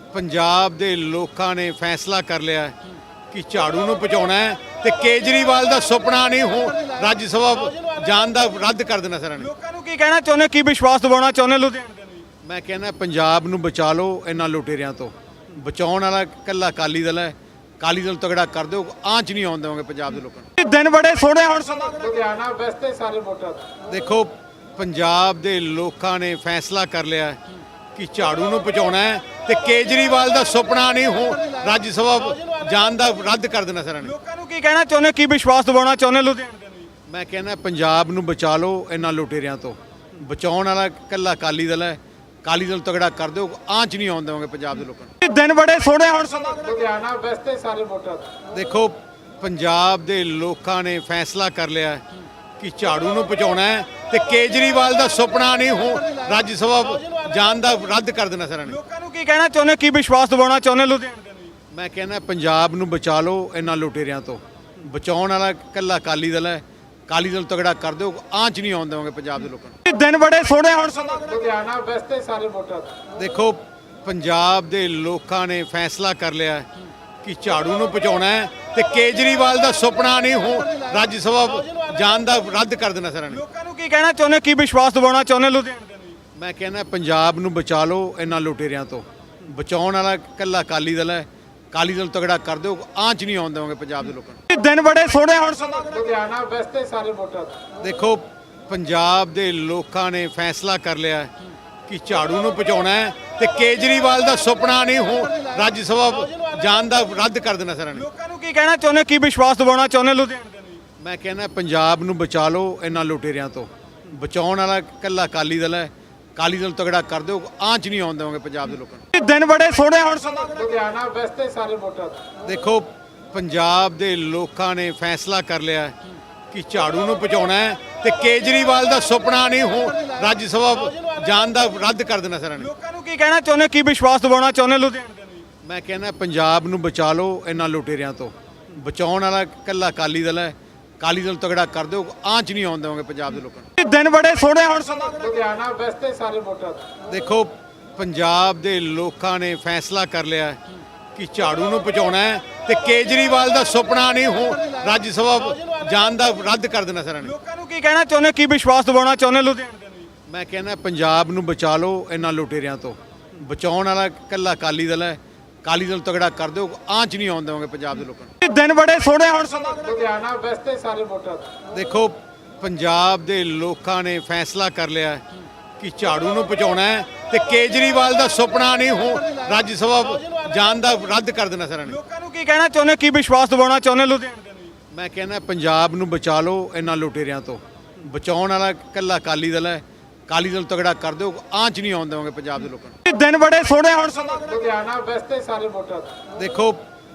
[SPEAKER 1] ਪੰਜਾਬ ਦੇ ਲੋਕਾਂ ਨੇ ਫੈਸਲਾ ਕਰ ਲਿਆ ਕਿ ਝਾੜੂ ਨੂੰ ਪਹੁੰਚਾਉਣਾ ਹੈ ਤੇ ਕੇਜਰੀਵਾਲ ਦਾ ਸੁਪਨਾ ਨਹੀਂ ਹੋ ਰਾਜ ਸਭਾ ਜਾਣ ਦਾ ਰੱਦ ਕਰ ਦੇਣਾ ਸਾਰਿਆਂ ਨੇ।
[SPEAKER 2] ਲੋਕਾਂ ਨੂੰ ਕੀ ਕਹਿਣਾ ਚਾਹੁੰਦੇ, ਕੀ ਵਿਸ਼ਵਾਸ ਦਿਵਾਉਣਾ ਚਾਹੁੰਦੇ ਲੁਧਿਆਣੇ ਦੇ ਨੂੰ ਜੀ?
[SPEAKER 1] ਮੈਂ ਕਹਿੰਦਾ ਪੰਜਾਬ ਨੂੰ ਬਚਾ ਲਓ ਇਹਨਾਂ ਲੁਟੇਰਿਆਂ ਤੋਂ। ਬਚਾਉਣ ਵਾਲਾ ਇਕੱਲਾ ਅਕਾਲੀ ਦਲ ਹੈ। ਅਕਾਲੀ ਦਲ ਤਗੜਾ ਕਰ ਦਿਓ, ਆਂਚ ਨਹੀਂ ਆਉਣ ਦੇਵਾਂਗੇ ਪੰਜਾਬ ਦੇ ਲੋਕਾਂ ਨੂੰ।
[SPEAKER 2] ਇਹ ਦਿਨ ਬੜੇ ਸੋਹਣੇ ਹੁਣ ਸਮਾਂ
[SPEAKER 3] ਲੁਧਿਆਣਾ ਵੈਸਤੇ ਸਾਰੇ ਵੋਟਾਂ ਦਾ।
[SPEAKER 1] ਦੇਖੋ ਪੰਜਾਬ ਦੇ ਲੋਕਾਂ ਨੇ ਫੈਸਲਾ ਕਰ ਲਿਆ ਕਿ ਝਾੜੂ ਨੂੰ ਪਹੁੰਚਾਉਣਾ ਹੈ ਤੇ ਕੇਜਰੀਵਾਲ ਦਾ ਸੁਪਨਾ ਨਹੀਂ ਹੋ ਰਾਜ ਸਭਾ ਜਾਣ ਦਾ ਰੱਦ ਕਰ ਦੇਣਾ ਸਾਰਿਆਂ ਨੇ।
[SPEAKER 2] ਲੋਕਾਂ ਨੂੰ ਕੀ ਕਹਿਣਾ ਚਾਹੁੰਦੇ, ਕੀ ਵਿਸ਼ਵਾਸ ਦਿਵਾਉਣਾ ਚਾਹੁੰਦੇ ਲੁਧਿਆਣੇ ਦੇ ਨੂੰ ਜੀ?
[SPEAKER 1] ਮੈਂ ਕਹਿੰਦਾ ਪੰਜਾਬ ਨੂੰ ਬਚਾ ਲਓ ਇਹਨਾਂ ਲੁਟੇਰਿਆਂ ਤੋਂ। ਬਚਾਉਣ ਵਾਲਾ ਇਕੱਲਾ ਅਕਾਲੀ ਦਲ ਹੈ। ਅਕਾਲੀ ਦਲ ਤਗੜਾ ਕਰ ਦਿਓ, ਆਂਚ ਨਹੀਂ ਆਉਣ ਦੇਵਾਂਗੇ ਪੰਜਾਬ ਦੇ ਲੋਕਾਂ ਨੂੰ।
[SPEAKER 2] ਇਹ ਦਿਨ ਬੜੇ ਸੋਹਣੇ ਹੁਣ ਸਮਾਂ
[SPEAKER 3] ਲੁਧਿਆਣਾ ਵੈਸਤੇ ਸਾਰੇ ਵੋਟਾਂ ਦਾ।
[SPEAKER 1] ਦੇਖੋ ਪੰਜਾਬ ਦੇ ਲੋਕਾਂ ਨੇ ਫੈਸਲਾ ਕਰ ਲਿਆ ਕਿ ਝਾੜੂ ਨੂੰ ਪਹੁੰਚਾਉਣਾ ਹੈ ਤੇ ਕੇਜਰੀਵਾਲ ਦਾ ਸੁਪਨਾ ਨਹੀਂ ਹੋ ਰਾਜ ਸਭਾ ਜਾਣ ਦਾ ਰੱਦ ਕਰ ਦੇਣਾ ਸਾਰਿਆਂ ਨੇ।
[SPEAKER 2] ਲੋਕਾਂ ਨੂੰ ਕੀ ਕਹਿਣਾ ਚਾਹੁੰਦੇ, ਕੀ ਵਿਸ਼ਵਾਸ ਦਿਵਾਉਣਾ ਚਾਹੁੰਦੇ ਲੁਧਿਆਣੇ ਦੇ ਨੂੰ ਜੀ?
[SPEAKER 1] ਮੈਂ ਕਹਿੰਦਾ ਪੰਜਾਬ ਨੂੰ ਬਚਾ ਲਓ ਇਹਨਾਂ ਲੁਟੇਰਿਆਂ ਤੋਂ। ਬਚਾਉਣ ਵਾਲਾ ਇਕੱਲਾ ਅਕਾਲੀ ਦਲ ਹੈ। ਅਕਾਲੀ ਦਲ ਤਗੜਾ ਕਰ ਦਿਓ, ਆਂਚ ਨਹੀਂ ਆਉਣ ਦੇਵਾਂਗੇ ਪੰਜਾਬ ਦੇ ਲੋਕਾਂ ਨੂੰ।
[SPEAKER 2] ਇਹ ਦਿਨ ਬੜੇ ਸੋਹਣੇ ਹੁਣ ਸਮਾਂ
[SPEAKER 3] ਲੁਧਿਆਣਾ ਵੈਸਤੇ ਸਾਰੇ ਵੋਟਾਂ ਦਾ।
[SPEAKER 1] ਦੇਖੋ ਪੰਜਾਬ ਦੇ ਲੋਕਾਂ ਨੇ ਫੈਸਲਾ ਕਰ ਲਿਆ ਕਿ ਝਾੜੂ ਨੂੰ ਪਹੁੰਚਾਉਣਾ ਹੈ ਤੇ ਕੇਜਰੀਵਾਲ ਦਾ ਸੁਪਨਾ ਨਹੀਂ ਹੋ ਰਾਜ ਸਭਾ ਜਾਣ ਦਾ ਰੱਦ ਕਰ ਦੇਣਾ ਸਾਰਿਆਂ ਨੇ।
[SPEAKER 2] ਲੋਕਾਂ ਨੂੰ ਕੀ ਕਹਿਣਾ ਚਾਹੁੰਦੇ, ਕੀ ਵਿਸ਼ਵਾਸ ਦਿਵਾਉਣਾ ਚਾਹੁੰਦੇ ਲੁਧਿਆਣੇ ਦੇ ਨੂੰ ਜੀ?
[SPEAKER 1] ਮੈਂ ਕਹਿੰਦਾ ਪੰਜਾਬ ਨੂੰ ਬਚਾ ਲਓ ਇਹਨਾਂ ਲੁਟੇਰਿਆਂ ਤੋਂ। ਬਚਾਉਣ ਵਾਲਾ ਇਕੱਲਾ ਅਕਾਲੀ ਦਲ ਹੈ। ਅਕਾਲੀ ਦਲ ਤਗੜਾ ਕਰ ਦਿਓ, ਆਂਚ ਨਹੀਂ ਆਉਣ ਦੇਵਾਂਗੇ ਪੰਜਾਬ ਦੇ ਲੋਕਾਂ ਨੂੰ।
[SPEAKER 2] ਇਹ ਦਿਨ ਬੜੇ ਸੋਹਣੇ ਹੁਣ ਸਮਾਂ
[SPEAKER 3] ਲੁਧਿਆਣਾ ਵੈਸਤੇ ਸਾਰੇ ਵੋਟਾਂ ਦਾ।
[SPEAKER 1] ਦੇਖੋ ਪੰਜਾਬ ਦੇ ਲੋਕਾਂ ਨੇ ਫੈਸਲਾ ਕਰ ਲਿਆ ਕਿ ਝਾੜੂ ਨੂੰ ਪਹੁੰਚਾਉਣਾ ਹੈ ਤੇ ਕੇਜਰੀਵਾਲ ਦਾ ਸੁਪਨਾ ਨਹੀਂ ਹੋ ਰਾਜ ਸਭਾ ਜਾਣ ਦਾ ਰੱਦ ਕਰ ਦੇਣਾ ਸਾਰਿਆਂ ਨੇ।
[SPEAKER 2] ਲੋਕਾਂ ਨੂੰ ਕੀ ਕਹਿਣਾ ਚਾਹੁੰਦੇ, ਕੀ ਵਿਸ਼ਵਾਸ ਦਿਵਾਉਣਾ ਚਾਹੁੰਦੇ ਲੁਧਿਆਣੇ ਦੇ ਨੂੰ ਜੀ?
[SPEAKER 1] ਮੈਂ ਕਹਿੰਦਾ ਪੰਜਾਬ ਨੂੰ ਬਚਾ ਲਓ ਇਹਨਾਂ ਲੁਟੇਰਿਆਂ ਤੋਂ। ਬਚਾਉਣ ਵਾਲਾ ਇਕੱਲਾ ਅਕਾਲੀ ਦਲ ਹੈ। ਅਕਾਲੀ ਦਲ ਤਗੜਾ ਕਰ ਦਿਓ, ਆਂਚ ਨਹੀਂ ਆਉਣ ਦੇਵਾਂਗੇ ਪੰਜਾਬ ਦੇ ਲੋਕਾਂ ਨੂੰ।
[SPEAKER 2] ਇਹ ਦਿਨ ਬੜੇ ਸੋਹਣੇ ਹੁਣ ਸਮਾਂ
[SPEAKER 3] ਲੁਧਿਆਣਾ ਵੈਸਤੇ ਸਾਰੇ ਵੋਟਰ ਦਾ।
[SPEAKER 1] ਦੇਖੋ ਪੰਜਾਬ ਦੇ ਲੋਕਾਂ ਨੇ ਫੈਸਲਾ ਕਰ ਲਿਆ ਕਿ ਝਾੜੂ ਨੂੰ ਪਹੁੰਚਾਉਣਾ ਹੈ ਤੇ ਕੇਜਰੀਵਾਲ ਦਾ ਸੁਪਨਾ ਨਹੀਂ ਹੋ ਰਾਜ ਸਭਾ ਜਾਣ ਦਾ ਰੱਦ ਕਰ ਦੇਣਾ ਸਾਰਿਆਂ ਨੇ।
[SPEAKER 2] ਲੋਕਾਂ ਨੂੰ ਕੀ ਕਹਿਣਾ ਚਾਹੁੰਦੇ, ਕੀ ਵਿਸ਼ਵਾਸ ਦਿਵਾਉਣਾ ਚਾਹੁੰਦੇ ਲੁਧਿਆਣੇ ਦੇ ਨੂੰ?
[SPEAKER 1] ਮੈਂ ਕਹਿੰਦਾ ਪੰਜਾਬ ਨੂੰ ਬਚਾ ਲਓ ਇਹਨਾਂ ਲੁਟੇਰਿਆਂ ਤੋਂ। ਬਚਾਉਣ ਵਾਲਾ ਇਕੱਲਾ ਅਕਾਲੀ ਦਲ ਹੈ। ਅਕਾਲੀ ਦਲ ਤਗੜਾ ਕਰ ਦਿਓ, ਆਂਚ ਨਹੀਂ ਆਉਣ ਦੇਵਾਂਗੇ ਪੰਜਾਬ ਦੇ ਲੋਕਾਂ ਨੂੰ।
[SPEAKER 2] ਇਹ ਦਿਨ ਬੜੇ ਸੋਹਣੇ ਹੁਣ ਸਮਾਂ
[SPEAKER 3] ਲੁਧਿਆਣਾ ਵੈਸਤੇ ਸਾਰੇ ਵੋਟਰ ਦਾ।
[SPEAKER 1] ਦੇਖੋ ਪੰਜਾਬ ਦੇ ਲੋਕਾਂ ਨੇ ਫੈਸਲਾ ਕਰ ਲਿਆ ਕਿ ਝਾੜੂ ਨੂੰ ਪਹੁੰਚਾਉਣਾ ਹੈ ਤੇ ਕੇਜਰੀਵਾਲ ਦਾ ਸੁਪਨਾ ਨਹੀਂ ਹੋ ਰਾਜ ਸਭਾ ਜਾਣ ਦਾ ਰੱਦ ਕਰ ਦੇਣਾ ਸਾਰਿਆਂ ਨੇ।
[SPEAKER 2] ਲੋਕਾਂ ਨੂੰ ਕੀ ਕਹਿਣਾ ਚਾਹੁੰਦੇ, ਕੀ ਵਿਸ਼ਵਾਸ ਦਿਵਾਉਣਾ ਚਾਹੁੰਦੇ ਲੁਧਿਆਣੇ ਦੇ ਨੂੰ?
[SPEAKER 1] ਮੈਂ ਕਹਿੰਦਾ ਪੰਜਾਬ ਨੂੰ ਬਚਾ ਲਓ ਇਹਨਾਂ ਲੁਟੇਰਿਆਂ ਤੋਂ। ਬਚਾਉਣ ਵਾਲਾ ਇਕੱਲਾ ਅਕਾਲੀ ਦਲ ਹੈ। ਅਕਾਲੀ ਦਲ ਤਗੜਾ ਕਰ ਦਿਓ, ਆਂਚ ਨਹੀਂ ਆਉਣ ਦੇਵਾਂਗੇ ਪੰਜਾਬ ਦੇ ਲੋਕਾਂ ਨੂੰ।
[SPEAKER 2] ਇਹ ਦਿਨ ਬੜੇ ਸੋਹਣੇ ਹੁਣ ਸਮਾਂ
[SPEAKER 3] ਲੁਧਿਆਣਾ ਵੈਸਤੇ ਸਾਰੇ ਵੋਟਰ ਦਾ।
[SPEAKER 1] ਦੇਖੋ ਪੰਜਾਬ ਦੇ ਲੋਕਾਂ ਨੇ ਫੈਸਲਾ ਕਰ ਲਿਆ ਕਿ ਝਾੜੂ ਨੂੰ ਪਹੁੰਚਾਉਣਾ ਹੈ ਤੇ ਕੇਜਰੀਵਾਲ ਦਾ ਸੁਪਨਾ ਨਹੀਂ ਹੋ ਰਾਜ ਸਭਾ ਜਾਣ ਦਾ ਰੱਦ ਕਰ ਦੇਣਾ ਸਾਰਿਆਂ ਨੇ।
[SPEAKER 2] ਲੋਕਾਂ ਨੂੰ ਕੀ ਕਹਿਣਾ ਚਾਹੁੰਦੇ, ਕੀ ਵਿਸ਼ਵਾਸ ਦਿਵਾਉਣਾ ਚਾਹੁੰਦੇ ਲੁਧਿਆਣੇ ਦੇ ਨੂੰ?
[SPEAKER 1] ਮੈਂ ਕਹਿੰਦਾ ਪੰਜਾਬ ਨੂੰ ਬਚਾ ਲਓ ਇਹਨਾਂ ਲੁਟੇਰਿਆਂ ਤੋਂ। ਬਚਾਉਣ ਵਾਲਾ ਇਕੱਲਾ ਅਕਾਲੀ ਦਲ ਹੈ। ਅਕਾਲੀ ਦਲ ਤਗੜਾ ਕਰ ਦਿਓ, ਆਂਚ ਨਹੀਂ ਆਉਣ ਦੇਵਾਂਗੇ ਪੰਜਾਬ ਦੇ ਲੋਕਾਂ ਨੂੰ।
[SPEAKER 2] ਇਹ ਦਿਨ ਬੜੇ ਸੋਹਣੇ ਹੁਣ ਸਮਾਂ
[SPEAKER 3] ਲੁਧਿਆਣਾ ਵੈਸਤੇ ਸਾਰੇ ਵੋਟਰ ਦਾ।
[SPEAKER 1] ਦੇਖੋ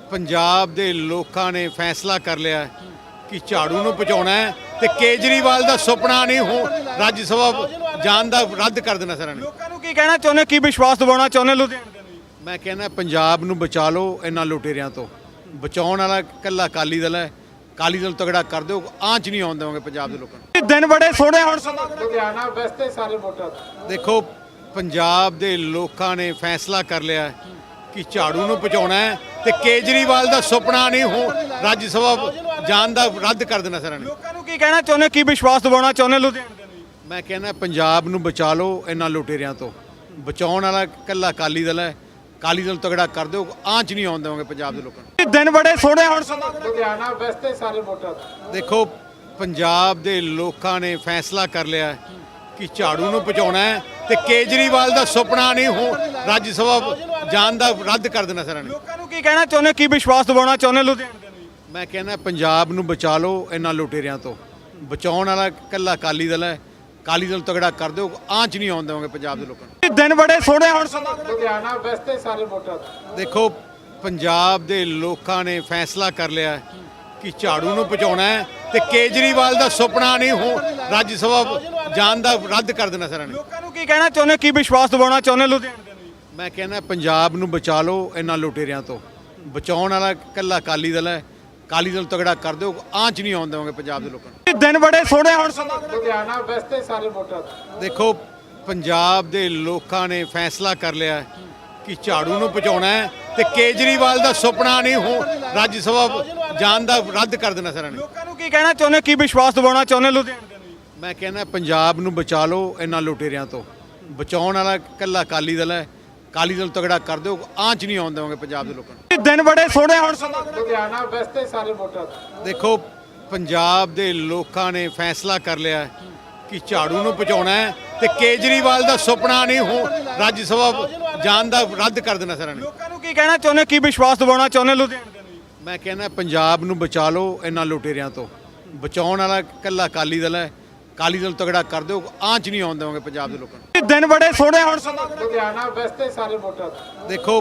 [SPEAKER 1] ਪੰਜਾਬ ਦੇ ਲੋਕਾਂ ਨੇ ਫੈਸਲਾ ਕਰ ਲਿਆ ਕਿ ਝਾੜੂ ਨੂੰ ਪਹੁੰਚਾਉਣਾ ਹੈ ਤੇ ਕੇਜਰੀਵਾਲ ਦਾ ਸੁਪਨਾ ਨਹੀਂ ਹੋ ਰਾਜ ਸਭਾ ਜਾਣ ਦਾ ਰੱਦ ਕਰ ਦੇਣਾ ਸਾਰਿਆਂ ਨੇ।
[SPEAKER 2] ਲੋਕਾਂ ਨੂੰ ਕੀ ਕਹਿਣਾ ਚਾਹੁੰਦੇ, ਕੀ ਵਿਸ਼ਵਾਸ ਦਿਵਾਉਣਾ ਚਾਹੁੰਦੇ ਲੁਧਿਆਣੇ ਦੇ ਨੂੰ?
[SPEAKER 1] ਮੈਂ ਕਹਿੰਦਾ ਪੰਜਾਬ ਨੂੰ ਬਚਾ ਲਓ ਇਹਨਾਂ ਲੁਟੇਰਿਆਂ ਤੋਂ। ਬਚਾਉਣ ਵਾਲਾ ਇਕੱਲਾ ਅਕਾਲੀ ਦਲ ਹੈ। ਅਕਾਲੀ ਦਲ ਤਗੜਾ ਕਰ ਦਿਓ, ਆਂਚ ਨਹੀਂ ਆਉਣ ਦੇਵਾਂਗੇ ਪੰਜਾਬ ਦੇ ਲੋਕਾਂ ਨੂੰ।
[SPEAKER 2] ਇਹ ਦਿਨ ਬੜੇ ਸੋਹਣੇ ਹੁਣ ਸਮਾਂ
[SPEAKER 3] ਲੁਧਿਆਣਾ ਵੈਸਤੇ ਸਾਰੇ ਵੋਟਰ ਦਾ।
[SPEAKER 1] ਦੇਖੋ ਪੰਜਾਬ ਦੇ ਲੋਕਾਂ ਨੇ ਫੈਸਲਾ ਕਰ ਲਿਆ ਕਿ ਝਾੜੂ ਨੂੰ ਪਹੁੰਚਾਉਣਾ ਹੈ ਤੇ ਕੇਜਰੀਵਾਲ ਦਾ ਸੁਪਨਾ ਨਹੀਂ ਹੋ ਰਾਜ ਸਭਾ ਜਾਣ ਦਾ ਰੱਦ ਕਰ ਦੇਣਾ ਸਾਰਿਆਂ ਨੇ।
[SPEAKER 2] ਲੋਕਾਂ ਨੂੰ ਕੀ ਕਹਿਣਾ ਚਾਹੁੰਦੇ, ਕੀ ਵਿਸ਼ਵਾਸ ਦਿਵਾਉਣਾ ਚਾਹੁੰਦੇ ਲੁਧਿਆਣੇ ਦੇ ਨੂੰ?
[SPEAKER 1] ਮੈਂ ਕਹਿੰਦਾ ਪੰਜਾਬ ਨੂੰ ਬਚਾ ਲਓ ਇਹਨਾਂ ਲੁਟੇਰਿਆਂ ਤੋਂ। ਬਚਾਉਣ ਵਾਲਾ ਇਕੱਲਾ ਅਕਾਲੀ ਦਲ ਹੈ। ਅਕਾਲੀ ਦਲ ਤਗੜਾ ਕਰ ਦਿਓ, ਆਂਚ ਨਹੀਂ ਆਉਣ ਦੇਵਾਂਗੇ ਪੰਜਾਬ ਦੇ ਲੋਕਾਂ ਨੂੰ।
[SPEAKER 2] ਇਹ ਦਿਨ ਬੜੇ ਸੋਹਣੇ ਹੁਣ ਸਮਾਂ
[SPEAKER 3] ਲੁਧਿਆਣਾ ਵੈਸਤੇ ਸਾਰੇ ਵੋਟਰ ਦਾ।
[SPEAKER 1] ਦੇਖੋ ਪੰਜਾਬ ਦੇ ਲੋਕਾਂ ਨੇ ਫੈਸਲਾ ਕਰ ਲਿਆ ਕਿ ਝਾੜੂ ਨੂੰ ਪਹੁੰਚਾਉਣਾ ਹੈ ਤੇ ਕੇਜਰੀਵਾਲ ਦਾ ਸੁਪਨਾ ਨਹੀਂ ਹੋ ਰਾਜ ਸਭਾ ਜਾਣ ਦਾ ਰੱਦ ਕਰ ਦੇਣਾ ਸਾਰਿਆਂ ਨੇ।
[SPEAKER 2] ਲੋਕਾਂ ਨੂੰ ਕੀ ਕਹਿਣਾ ਚਾਹੁੰਦੇ, ਕੀ ਵਿਸ਼ਵਾਸ ਦਿਵਾਉਣਾ ਚਾਹੁੰਦੇ ਲੁਧਿਆਣੇ ਦੇ ਨੂੰ?
[SPEAKER 1] ਮੈਂ ਕਹਿੰਦਾ ਪੰਜਾਬ ਨੂੰ ਬਚਾ ਲਓ ਇਹਨਾਂ ਲੁਟੇਰਿਆਂ ਤੋਂ। ਬਚਾਉਣ ਵਾਲਾ ਇਕੱਲਾ ਅਕਾਲੀ ਦਲ ਹੈ। ਅਕਾਲੀ ਦਲ ਤਗੜਾ ਕਰ ਦਿਓ, ਆਂਚ ਨਹੀਂ ਆਉਣ ਦੇਵਾਂਗੇ ਪੰਜਾਬ ਦੇ ਲੋਕਾਂ ਨੂੰ।
[SPEAKER 2] ਇਹ ਦਿਨ ਬੜੇ ਸੋਹਣੇ ਹੁਣ ਸਮਾਂ
[SPEAKER 3] ਲੁਧਿਆਣਾ ਵੈਸਤੇ ਸਾਰੇ ਵੋਟਰ ਦਾ।
[SPEAKER 1] ਦੇਖੋ ਪੰਜਾਬ ਦੇ ਲੋਕਾਂ ਨੇ ਫੈਸਲਾ ਕਰ ਲਿਆ ਕਿ ਝਾੜੂ ਨੂੰ ਪਹੁੰਚਾਉਣਾ ਹੈ ਤੇ ਕੇਜਰੀਵਾਲ ਦਾ ਸੁਪਨਾ ਨਹੀਂ ਹੋ ਰਾਜ ਸਭਾ ਜਾਣ ਦਾ ਰੱਦ ਕਰ ਦੇਣਾ ਸਾਰਿਆਂ ਨੇ।
[SPEAKER 2] ਲੋਕਾਂ ਨੂੰ ਕੀ ਕਹਿਣਾ ਚਾਹੁੰਦੇ, ਕੀ ਵਿਸ਼ਵਾਸ ਦਿਵਾਉਣਾ ਚਾਹੁੰਦੇ ਲੁਧਿਆਣੇ ਦੇ ਨੂੰ?
[SPEAKER 1] ਮੈਂ ਕਹਿੰਦਾ ਪੰਜਾਬ ਨੂੰ ਬਚਾ ਲਓ ਇਹਨਾਂ ਲੁਟੇਰਿਆਂ ਤੋਂ। ਬਚਾਉਣ ਵਾਲਾ ਇਕੱਲਾ ਅਕਾਲੀ ਦਲ ਹੈ। ਅਕਾਲੀ ਦਲ ਤਗੜਾ ਕਰ ਦਿਓ, ਆਂਚ ਨਹੀਂ ਆਉਣ ਦੇਵਾਂਗੇ ਪੰਜਾਬ ਦੇ ਲੋਕਾਂ ਨੂੰ।
[SPEAKER 2] ਇਹ ਦਿਨ ਬੜੇ ਸੋਹਣੇ ਹੁਣ ਸਮਾਂ
[SPEAKER 3] ਲੁਧਿਆਣਾ ਵੈਸਤੇ ਸਾਰੇ ਵੋਟਰ ਦਾ।
[SPEAKER 1] ਦੇਖੋ ਪੰਜਾਬ ਦੇ ਲੋਕਾਂ ਨੇ ਫੈਸਲਾ ਕਰ ਲਿਆ ਕਿ ਝਾੜੂ ਨੂੰ ਪਹੁੰਚਾਉਣਾ ਹੈ ਤੇ ਕੇਜਰੀਵਾਲ ਦਾ ਸੁਪਨਾ ਨਹੀਂ ਹੋ ਰਾਜ ਸਭਾ ਜਾਣ ਦਾ ਰੱਦ ਕਰ ਦੇਣਾ ਸਾਰਿਆਂ ਨੇ।
[SPEAKER 2] ਲੋਕਾਂ ਨੂੰ ਕੀ ਕਹਿਣਾ ਚਾਹੁੰਦੇ, ਕੀ ਵਿਸ਼ਵਾਸ ਦਿਵਾਉਣਾ ਚਾਹੁੰਦੇ ਲੁਧਿਆਣੇ ਦੇ ਨੂੰ?
[SPEAKER 1] ਮੈਂ ਕਹਿੰਦਾ ਪੰਜਾਬ ਨੂੰ ਬਚਾ ਲਓ ਇਹਨਾਂ ਲੁਟੇਰਿਆਂ ਤੋਂ। ਬਚਾਉਣ ਵਾਲਾ ਇਕੱਲਾ ਅਕਾਲੀ ਦਲ ਹੈ। ਅਕਾਲੀ ਦਲ ਤਗੜਾ ਕਰ ਦਿਓ, ਆਂਚ ਨਹੀਂ ਆਉਣ ਦੇਵਾਂਗੇ ਪੰਜਾਬ ਦੇ ਲੋਕਾਂ ਨੂੰ।
[SPEAKER 2] ਇਹ ਦਿਨ ਬੜੇ ਸੋਹਣੇ ਹੁਣ ਸਮਾਂ
[SPEAKER 3] ਲੁਧਿਆਣਾ ਵੈਸਤੇ ਸਾਰੇ ਵੋਟਰ ਦਾ।
[SPEAKER 1] ਦੇਖੋ ਪੰਜਾਬ ਦੇ ਲੋਕਾਂ ਨੇ ਫੈਸਲਾ ਕਰ ਲਿਆ ਕਿ ਝਾੜੂ ਨੂੰ ਪਹੁੰਚਾਉਣਾ ਹੈ ਤੇ ਕੇਜਰੀਵਾਲ ਦਾ ਸੁਪਨਾ ਨਹੀਂ ਹੋ ਰਾਜ ਸਭਾ ਜਾਣ ਦਾ ਰੱਦ ਕਰ ਦੇਣਾ ਸਾਰਿਆਂ ਨੇ।
[SPEAKER 2] ਲੋਕਾਂ ਨੂੰ ਕੀ ਕਹਿਣਾ ਚਾਹੁੰਦੇ, ਕੀ ਵਿਸ਼ਵਾਸ ਦਿਵਾਉਣਾ ਚਾਹੁੰਦੇ ਲੁਧਿਆਣੇ ਦੇ ਨੂੰ?
[SPEAKER 1] ਮੈਂ ਕਹਿੰਦਾ ਪੰਜਾਬ ਨੂੰ ਬਚਾ ਲਓ ਇਹਨਾਂ ਲੁਟੇਰਿਆਂ ਤੋਂ। ਬਚਾਉਣ ਵਾਲਾ ਇਕੱਲਾ ਅਕਾਲੀ ਦਲ ਹੈ। ਅਕਾਲੀ ਦਲ ਤਗੜਾ ਕਰ ਦਿਓ, ਆਂਚ ਨਹੀਂ ਆਉਣ ਦੇਵਾਂਗੇ ਪੰਜਾਬ ਦੇ ਲੋਕਾਂ ਨੂੰ।
[SPEAKER 2] ਇਹ ਦਿਨ ਬੜੇ ਸੋਹਣੇ ਹੁਣ ਸਮਾਂ
[SPEAKER 3] ਲੁਧਿਆਣਾ ਵੈਸਤੇ ਸਾਰੇ ਵੋਟਰ ਦਾ।
[SPEAKER 1] ਦੇਖੋ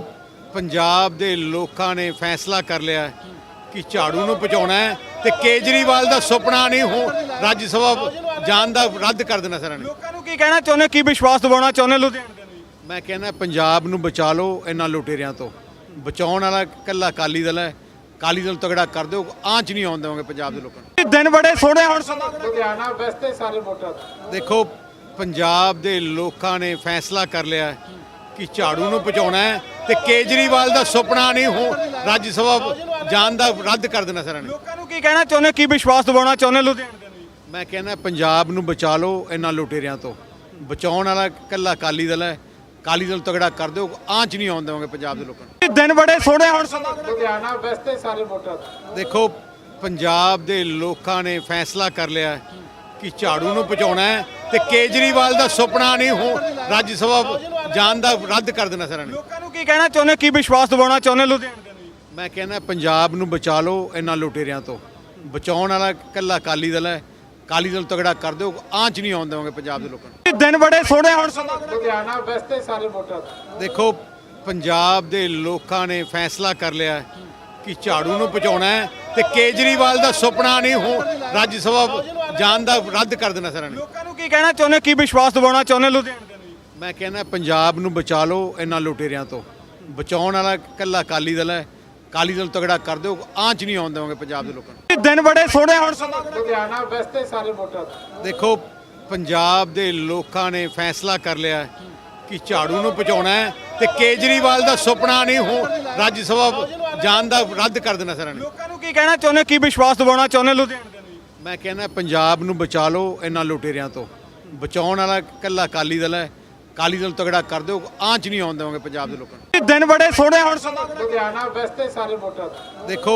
[SPEAKER 1] ਪੰਜਾਬ ਦੇ ਲੋਕਾਂ ਨੇ ਫੈਸਲਾ ਕਰ ਲਿਆ ਕਿ ਝਾੜੂ ਨੂੰ ਪਹੁੰਚਾਉਣਾ ਹੈ ਤੇ ਕੇਜਰੀਵਾਲ ਦਾ ਸੁਪਨਾ ਨਹੀਂ ਹੋ ਰਾਜ ਸਭਾ ਜਾਣ ਦਾ ਰੱਦ ਕਰ ਦੇਣਾ ਸਾਰਿਆਂ ਨੇ।
[SPEAKER 2] ਲੋਕਾਂ ਨੂੰ ਕੀ ਕਹਿਣਾ ਚਾਹੁੰਦੇ, ਕੀ ਵਿਸ਼ਵਾਸ ਦਿਵਾਉਣਾ ਚਾਹੁੰਦੇ ਲੁਧਿਆਣੇ ਦੇ ਨੂੰ?
[SPEAKER 1] ਮੈਂ ਕਹਿੰਦਾ ਪੰਜਾਬ ਨੂੰ ਬਚਾ ਲਓ ਇਹਨਾਂ ਲੁਟੇਰਿਆਂ ਤੋਂ। ਬਚਾਉਣ ਵਾਲਾ ਇਕੱਲਾ ਅਕਾਲੀ ਦਲ ਹੈ। ਅਕਾਲੀ ਦਲ ਤਗੜਾ ਕਰ ਦਿਓ, ਆਂਚ ਨਹੀਂ ਆਉਣ ਦੇਵਾਂਗੇ ਪੰਜਾਬ ਦੇ ਲੋਕਾਂ ਨੂੰ।
[SPEAKER 2] ਇਹ ਦਿਨ ਬੜੇ ਸੋਹਣੇ ਹੁਣ ਸਮਾਂ
[SPEAKER 3] ਲੁਧਿਆਣਾ ਵੈਸਤੇ ਸਾਰੇ ਵੋਟਰ ਦਾ।
[SPEAKER 1] ਦੇਖੋ ਪੰਜਾਬ ਦੇ ਲੋਕਾਂ ਨੇ ਫੈਸਲਾ ਕਰ ਲਿਆ ਕਿ ਝਾੜੂ ਨੂੰ ਪਹੁੰਚਾਉਣਾ ਹੈ ਤੇ ਕੇਜਰੀਵਾਲ ਦਾ ਸੁਪਨਾ ਨਹੀਂ ਹੋ ਰਾਜ ਸਭਾ ਜਾਣ ਦਾ ਰੱਦ ਕਰ ਦੇਣਾ ਸਾਰਿਆਂ ਨੇ।
[SPEAKER 2] ਲੋਕਾਂ ਨੂੰ ਕੀ ਕਹਿਣਾ ਚਾਹੁੰਦੇ, ਕੀ ਵਿਸ਼ਵਾਸ ਦਿਵਾਉਣਾ ਚਾਹੁੰਦੇ ਲੁਧਿਆਣੇ ਦੇ ਨੂੰ?
[SPEAKER 1] ਮੈਂ ਕਹਿੰਦਾ ਪੰਜਾਬ ਨੂੰ ਬਚਾ ਲਓ ਇਹਨਾਂ ਲੁਟੇਰਿਆਂ ਤੋਂ। ਬਚਾਉਣ ਵਾਲਾ ਇਕੱਲਾ ਅਕਾਲੀ ਦਲ ਹੈ। ਅਕਾਲੀ ਦਲ ਤਗੜਾ ਕਰ ਦਿਓ, ਆਂਚ ਨਹੀਂ ਆਉਣ ਦੇਵਾਂਗੇ ਪੰਜਾਬ ਦੇ ਲੋਕਾਂ ਨੂੰ।
[SPEAKER 2] ਇਹ ਦਿਨ ਬੜੇ ਸੋਹਣੇ ਹੁਣ ਸਮਾਂ
[SPEAKER 3] ਲੁਧਿਆਣਾ ਵੈਸਤੇ ਸਾਰੇ ਵੋਟਰ ਦਾ।
[SPEAKER 1] ਦੇਖੋ ਪੰਜਾਬ ਦੇ ਲੋਕਾਂ ਨੇ ਫੈਸਲਾ ਕਰ ਲਿਆ ਕਿ ਝਾੜੂ ਨੂੰ ਪਹੁੰਚਾਉਣਾ ਹੈ ਤੇ ਕੇਜਰੀਵਾਲ ਦਾ ਸੁਪਨਾ ਨਹੀਂ ਹੋ ਰਾਜ ਸਭਾ ਜਾਣ ਦਾ ਰੱਦ ਕਰ ਦੇਣਾ ਸਾਰਿਆਂ ਨੇ।
[SPEAKER 2] ਲੋਕਾਂ ਨੂੰ ਕੀ ਕਹਿਣਾ ਚਾਹੁੰਦੇ, ਕੀ ਵਿਸ਼ਵਾਸ ਦਿਵਾਉਣਾ ਚਾਹੁੰਦੇ ਲੁਧਿਆਣੇ ਦੇ ਨੂੰ?
[SPEAKER 1] ਮੈਂ ਕਹਿੰਦਾ ਪੰਜਾਬ ਨੂੰ ਬਚਾ ਲਓ ਇਹਨਾਂ ਲੁਟੇਰਿਆਂ ਤੋਂ। ਬਚਾਉਣ ਵਾਲਾ ਇਕੱਲਾ ਅਕਾਲੀ ਦਲ ਹੈ। ਅਕਾਲੀ ਦਲ ਤਗੜਾ ਕਰ ਦਿਓ, ਆਂਚ ਨਹੀਂ ਆਉਣ ਦੇਵਾਂਗੇ ਪੰਜਾਬ ਦੇ ਲੋਕਾਂ ਨੂੰ।
[SPEAKER 2] ਇਹ ਦਿਨ ਬੜੇ ਸੋਹਣੇ ਹੁਣ ਸਮਾਂ
[SPEAKER 3] ਲੁਧਿਆਣਾ ਵੈਸਤੇ ਸਾਰੇ ਵੋਟਰ ਦਾ।
[SPEAKER 1] ਦੇਖੋ ਪੰਜਾਬ ਦੇ ਲੋਕਾਂ ਨੇ ਫੈਸਲਾ ਕਰ ਲਿਆ ਹੈ ਕਿ ਝਾੜੂ ਨੂੰ ਪਹੁੰਚਾਉਣਾ ਹੈ ਤੇ ਕੇਜਰੀਵਾਲ ਦਾ ਸੁਪਨਾ ਨਹੀਂ ਹੋ ਰਾਜ ਸਭਾ ਜਾਣ ਦਾ ਰੱਦ ਕਰ ਦੇਣਾ ਸਾਰਿਆਂ ਨੇ।
[SPEAKER 2] ਲੋਕਾਂ ਨੂੰ ਕੀ ਕਹਿਣਾ ਚਾਹੁੰਦੇ, ਕੀ ਵਿਸ਼ਵਾਸ ਦਿਵਾਉਣਾ ਚਾਹੁੰਦੇ ਲੁਧਿਆਣੇ ਦੇ ਲਈ?
[SPEAKER 1] ਮੈਂ ਕਹਿੰਦਾ ਪੰਜਾਬ ਨੂੰ ਬਚਾ ਲਓ ਇਹਨਾਂ ਲੁਟੇਰਿਆਂ ਤੋਂ। ਬਚਾਉਣ ਵਾਲਾ ਇਕੱਲਾ ਅਕਾਲੀ ਦਲ ਹੈ। ਅਕਾਲੀ ਦਲ ਤਗੜਾ ਕਰ ਦਿਓ, ਆਂਚ ਨਹੀਂ ਆਉਣ ਦੇਵਾਂਗੇ ਪੰਜਾਬ ਦੇ ਲੋਕਾਂ ਨੂੰ।
[SPEAKER 2] ਇਹ ਦਿਨ ਬੜੇ ਸੋਹਣੇ ਹੁਣ ਸਮਾਂ
[SPEAKER 3] ਲੁਧਿਆਣਾ ਵੈਸਤੇ ਸਾਰੇ ਵੋਟਰ ਦਾ।
[SPEAKER 1] ਦੇਖੋ ਪੰਜਾਬ ਦੇ ਲੋਕਾਂ ਨੇ ਫੈਸਲਾ ਕਰ ਲਿਆ ਹੈ ਕਿ ਝਾੜੂ ਨੂੰ ਪਹੁੰਚਾਉਣਾ ਹੈ ਤੇ ਕੇਜਰੀਵਾਲ ਦਾ ਸੁਪਨਾ ਨਹੀਂ ਹੋ ਰਾਜ ਸਭਾ ਜਾਣ ਦਾ ਰੱਦ ਕਰ ਦੇਣਾ ਸਾਰਿਆਂ ਨੇ।
[SPEAKER 2] ਲੋਕਾਂ ਨੂੰ ਕੀ ਕਹਿਣਾ ਚਾਹੁੰਦੇ, ਕੀ ਵਿਸ਼ਵਾਸ ਦਿਵਾਉਣਾ ਚਾਹੁੰਦੇ ਲੁਧਿਆਣੇ ਦੇ ਲਈ?
[SPEAKER 1] ਮੈਂ ਕਹਿੰਦਾ ਪੰਜਾਬ ਨੂੰ ਬਚਾ ਲਓ ਇਹਨਾਂ ਲੁਟੇਰਿਆਂ ਤੋਂ। ਬਚਾਉਣ ਵਾਲਾ ਇਕੱਲਾ ਅਕਾਲੀ ਦਲ ਹੈ। ਅਕਾਲੀ ਦਲ ਤਗੜਾ ਕਰ ਦਿਓ, ਆਂਚ ਨਹੀਂ ਆਉਣ ਦੇਵਾਂਗੇ ਪੰਜਾਬ ਦੇ ਲੋਕਾਂ ਨੂੰ।
[SPEAKER 2] ਇਹ ਦਿਨ ਬੜੇ ਸੋਹਣੇ ਹੁਣ ਸਮਾਂ
[SPEAKER 3] ਲੁਧਿਆਣਾ ਵੈਸਤੇ ਸਾਰੇ ਵੋਟਰ ਦਾ।
[SPEAKER 1] ਦੇਖੋ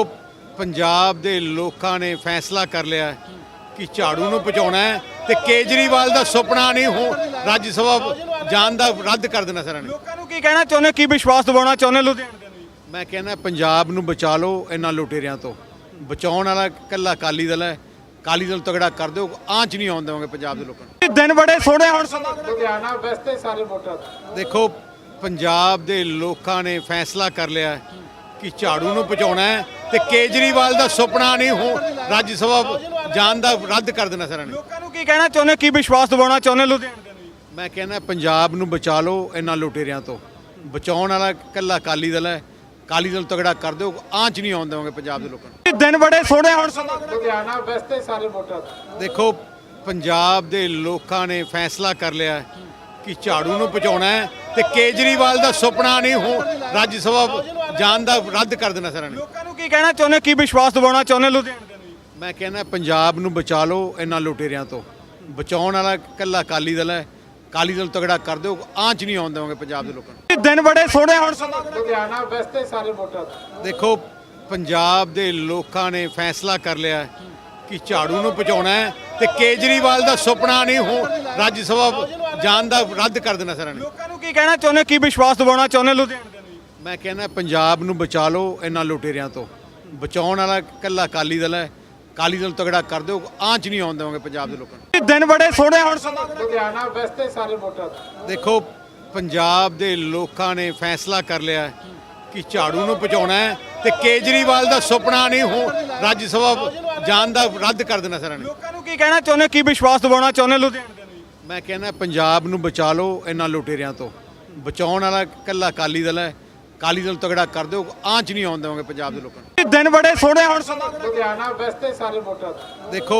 [SPEAKER 1] ਪੰਜਾਬ ਦੇ ਲੋਕਾਂ ਨੇ ਫੈਸਲਾ ਕਰ ਲਿਆ ਹੈ ਕਿ ਝਾੜੂ ਨੂੰ ਪਹੁੰਚਾਉਣਾ ਹੈ ਤੇ ਕੇਜਰੀਵਾਲ ਦਾ ਸੁਪਨਾ ਨਹੀਂ ਹੋ ਰਾਜ ਸਭਾ ਜਾਣ ਦਾ ਰੱਦ ਕਰ ਦੇਣਾ ਸਾਰਿਆਂ ਨੇ।
[SPEAKER 2] ਲੋਕਾਂ ਨੂੰ ਕੀ ਕਹਿਣਾ ਚਾਹੁੰਦੇ, ਕੀ ਵਿਸ਼ਵਾਸ ਦਿਵਾਉਣਾ ਚਾਹੁੰਦੇ ਲੁਧਿਆਣੇ ਦੇ ਲਈ?
[SPEAKER 1] ਮੈਂ ਕਹਿੰਦਾ ਪੰਜਾਬ ਨੂੰ ਬਚਾ ਲਓ ਇਹਨਾਂ ਲੁਟੇਰਿਆਂ ਤੋਂ। ਬਚਾਉਣ ਵਾਲਾ ਇਕੱਲਾ ਅਕਾਲੀ ਦਲ ਹੈ। ਅਕਾਲੀ ਦਲ ਤਗੜਾ ਕਰ ਦਿਓ, ਆਂਚ ਨਹੀਂ ਆਉਣ ਦੇਵਾਂਗੇ ਪੰਜਾਬ ਦੇ ਲੋਕਾਂ ਨੂੰ।
[SPEAKER 2] ਇਹ ਦਿਨ ਬੜੇ ਸੋਹਣੇ ਹੁਣ ਸਮਾਂ
[SPEAKER 3] ਲੁਧਿਆਣਾ ਵੈਸਤੇ ਸਾਰੇ ਵੋਟਰ ਦਾ।
[SPEAKER 1] ਦੇਖੋ ਪੰਜਾਬ ਦੇ ਲੋਕਾਂ ਨੇ ਫੈਸਲਾ ਕਰ ਲਿਆ ਹੈ ਕਿ ਝਾੜੂ ਨੂੰ ਪਹੁੰਚਾਉਣਾ ਹੈ ਤੇ ਕੇਜਰੀਵਾਲ ਦਾ ਸੁਪਨਾ ਨਹੀਂ ਹੋ ਰਾਜ ਸਭਾ ਜਾਣ ਦਾ ਰੱਦ ਕਰ ਦੇਣਾ ਸਾਰਿਆਂ ਨੇ।
[SPEAKER 2] ਲੋਕਾਂ ਨੂੰ ਕੀ ਕਹਿਣਾ ਚਾਹੁੰਦੇ, ਕੀ ਵਿਸ਼ਵਾਸ ਦਿਵਾਉਣਾ ਚਾਹੁੰਦੇ ਲੁਧਿਆਣੇ ਦੇ ਲਈ?
[SPEAKER 1] ਮੈਂ ਕਹਿੰਦਾ ਪੰਜਾਬ ਨੂੰ ਬਚਾ ਲਓ ਇਹਨਾਂ ਲੁਟੇਰਿਆਂ ਤੋਂ। ਬਚਾਉਣ ਵਾਲਾ ਇਕੱਲਾ ਅਕਾਲੀ ਦਲ ਹੈ। ਅਕਾਲੀ ਦਲ ਤਗੜਾ ਕਰ ਦਿਓ, ਆਂਚ ਨਹੀਂ ਆਉਣ ਦੇਵਾਂਗੇ ਪੰਜਾਬ ਦੇ ਲੋਕਾਂ ਨੂੰ।
[SPEAKER 2] ਇਹ ਦਿਨ ਬੜੇ ਸੋਹਣੇ ਹੁਣ ਸਮਾਂ
[SPEAKER 3] ਲੁਧਿਆਣਾ ਵੈਸਤੇ ਸਾਰੇ ਵੋਟਰ ਦਾ।
[SPEAKER 1] ਦੇਖੋ ਪੰਜਾਬ ਦੇ ਲੋਕਾਂ ਨੇ ਫੈਸਲਾ ਕਰ ਲਿਆ ਹੈ ਕਿ ਝਾੜੂ ਨੂੰ ਪਹੁੰਚਾਉਣਾ ਹੈ ਤੇ ਕੇਜਰੀਵਾਲ ਦਾ ਸੁਪਨਾ ਨਹੀਂ ਹੋ ਰਾਜ ਸਭਾ ਜਾਣ ਦਾ ਰੱਦ ਕਰ ਦੇਣਾ ਸਾਰਿਆਂ ਨੇ।
[SPEAKER 2] ਲੋਕਾਂ ਨੂੰ ਕੀ ਕਹਿਣਾ ਚਾਹੁੰਦੇ, ਕੀ ਵਿਸ਼ਵਾਸ ਦਿਵਾਉਣਾ ਚਾਹੁੰਦੇ ਲੁਧਿਆਣੇ ਦੇ ਲਈ?
[SPEAKER 1] ਮੈਂ ਕਹਿੰਦਾ ਪੰਜਾਬ ਨੂੰ ਬਚਾ ਲਓ ਇਹਨਾਂ ਲੁਟੇਰਿਆਂ ਤੋਂ। ਬਚਾਉਣ ਵਾਲਾ ਇਕੱਲਾ ਅਕਾਲੀ ਦਲ ਹੈ। ਅਕਾਲੀ ਦਲ ਤਗੜਾ ਕਰ ਦਿਓ, ਆਂਚ ਨਹੀਂ ਆਉਣ ਦੇਵਾਂਗੇ ਪੰਜਾਬ ਦੇ ਲੋਕਾਂ ਨੂੰ।
[SPEAKER 2] ਇਹ ਦਿਨ ਬੜੇ ਸੋਹਣੇ ਹੁਣ ਸਮਾਂ
[SPEAKER 3] ਲੁਧਿਆਣਾ ਵੈਸਤੇ ਸਾਰੇ ਵੋਟਰ ਦਾ।
[SPEAKER 1] ਦੇਖੋ ਪੰਜਾਬ ਦੇ ਲੋਕਾਂ ਨੇ ਫੈਸਲਾ ਕਰ ਲਿਆ ਹੈ ਕਿ ਝਾੜੂ ਨੂੰ ਪਹੁੰਚਾਉਣਾ ਹੈ ਤੇ ਕੇਜਰੀਵਾਲ ਦਾ ਸੁਪਨਾ ਨਹੀਂ ਹੋ ਰਾਜ ਸਭਾ ਜਾਣ ਦਾ ਰੱਦ ਕਰ ਦੇਣਾ ਸਾਰਿਆਂ ਨੇ।
[SPEAKER 2] ਲੋਕਾਂ ਨੂੰ ਕੀ ਕਹਿਣਾ ਚਾਹੁੰਦੇ, ਕੀ ਵਿਸ਼ਵਾਸ ਦਿਵਾਉਣਾ ਚਾਹੁੰਦੇ ਲੁਧਿਆਣੇ ਦੇ ਲਈ?
[SPEAKER 1] ਮੈਂ ਕਹਿੰਦਾ ਪੰਜਾਬ ਨੂੰ ਬਚਾ ਲਓ ਇਹਨਾਂ ਲੁਟੇਰਿਆਂ ਤੋਂ। ਬਚਾਉਣ ਵਾਲਾ ਇਕੱਲਾ ਅਕਾਲੀ ਦਲ ਹੈ। ਅਕਾਲੀ ਦਲ ਤਗੜਾ ਕਰ ਦਿਓ, ਆਂਚ ਨਹੀਂ ਆਉਣ ਦੇਵਾਂਗੇ ਪੰਜਾਬ ਦੇ ਲੋਕਾਂ ਨੂੰ।
[SPEAKER 2] ਇਹ ਦਿਨ ਬੜੇ ਸੋਹਣੇ ਹੁਣ ਸਮਾਂ
[SPEAKER 3] ਲੁਧਿਆਣਾ ਵੈਸਤੇ ਸਾਰੇ ਵੋਟਰ ਦਾ।
[SPEAKER 1] ਦੇਖੋ ਪੰਜਾਬ ਦੇ ਲੋਕਾਂ ਨੇ ਫੈਸਲਾ ਕਰ ਲਿਆ ਹੈ ਕਿ ਝਾੜੂ ਨੂੰ ਪਹੁੰਚਾਉਣਾ ਹੈ ਤੇ ਕੇਜਰੀਵਾਲ ਦਾ ਸੁਪਨਾ ਨਹੀਂ ਹੋ ਰਾਜ ਸਭਾ ਜਾਣ ਦਾ ਰੱਦ ਕਰ ਦੇਣਾ ਸਾਰਿਆਂ ਨੇ।
[SPEAKER 2] ਲੋਕਾਂ ਨੂੰ ਕੀ ਕਹਿਣਾ ਚਾਹੁੰਦੇ, ਕੀ ਵਿਸ਼ਵਾਸ ਦਿਵਾਉਣਾ ਚਾਹੁੰਦੇ ਲੁਧਿਆਣੇ ਦੇ ਲਈ?
[SPEAKER 1] ਮੈਂ ਕਹਿੰਦਾ ਪੰਜਾਬ ਨੂੰ ਬਚਾ ਲਓ ਇਹਨਾਂ ਲੁਟੇਰਿਆਂ ਤੋਂ। ਬਚਾਉਣ ਵਾਲਾ ਇਕੱਲਾ ਅਕਾਲੀ ਦਲ ਹੈ। ਅਕਾਲੀ ਦਲ ਤਗੜਾ ਕਰ ਦਿਓ, ਆਂਚ ਨਹੀਂ ਆਉਣ ਦੇਵਾਂਗੇ ਪੰਜਾਬ ਦੇ ਲੋਕਾਂ ਨੂੰ।
[SPEAKER 2] ਇਹ ਦਿਨ ਬੜੇ ਸੋਹਣੇ ਹੁਣ ਸਮਾਂ
[SPEAKER 3] ਲੁਧਿਆਣਾ ਵੈਸਤੇ ਸਾਰੇ ਵੋਟਰ ਦਾ।
[SPEAKER 1] ਦੇਖੋ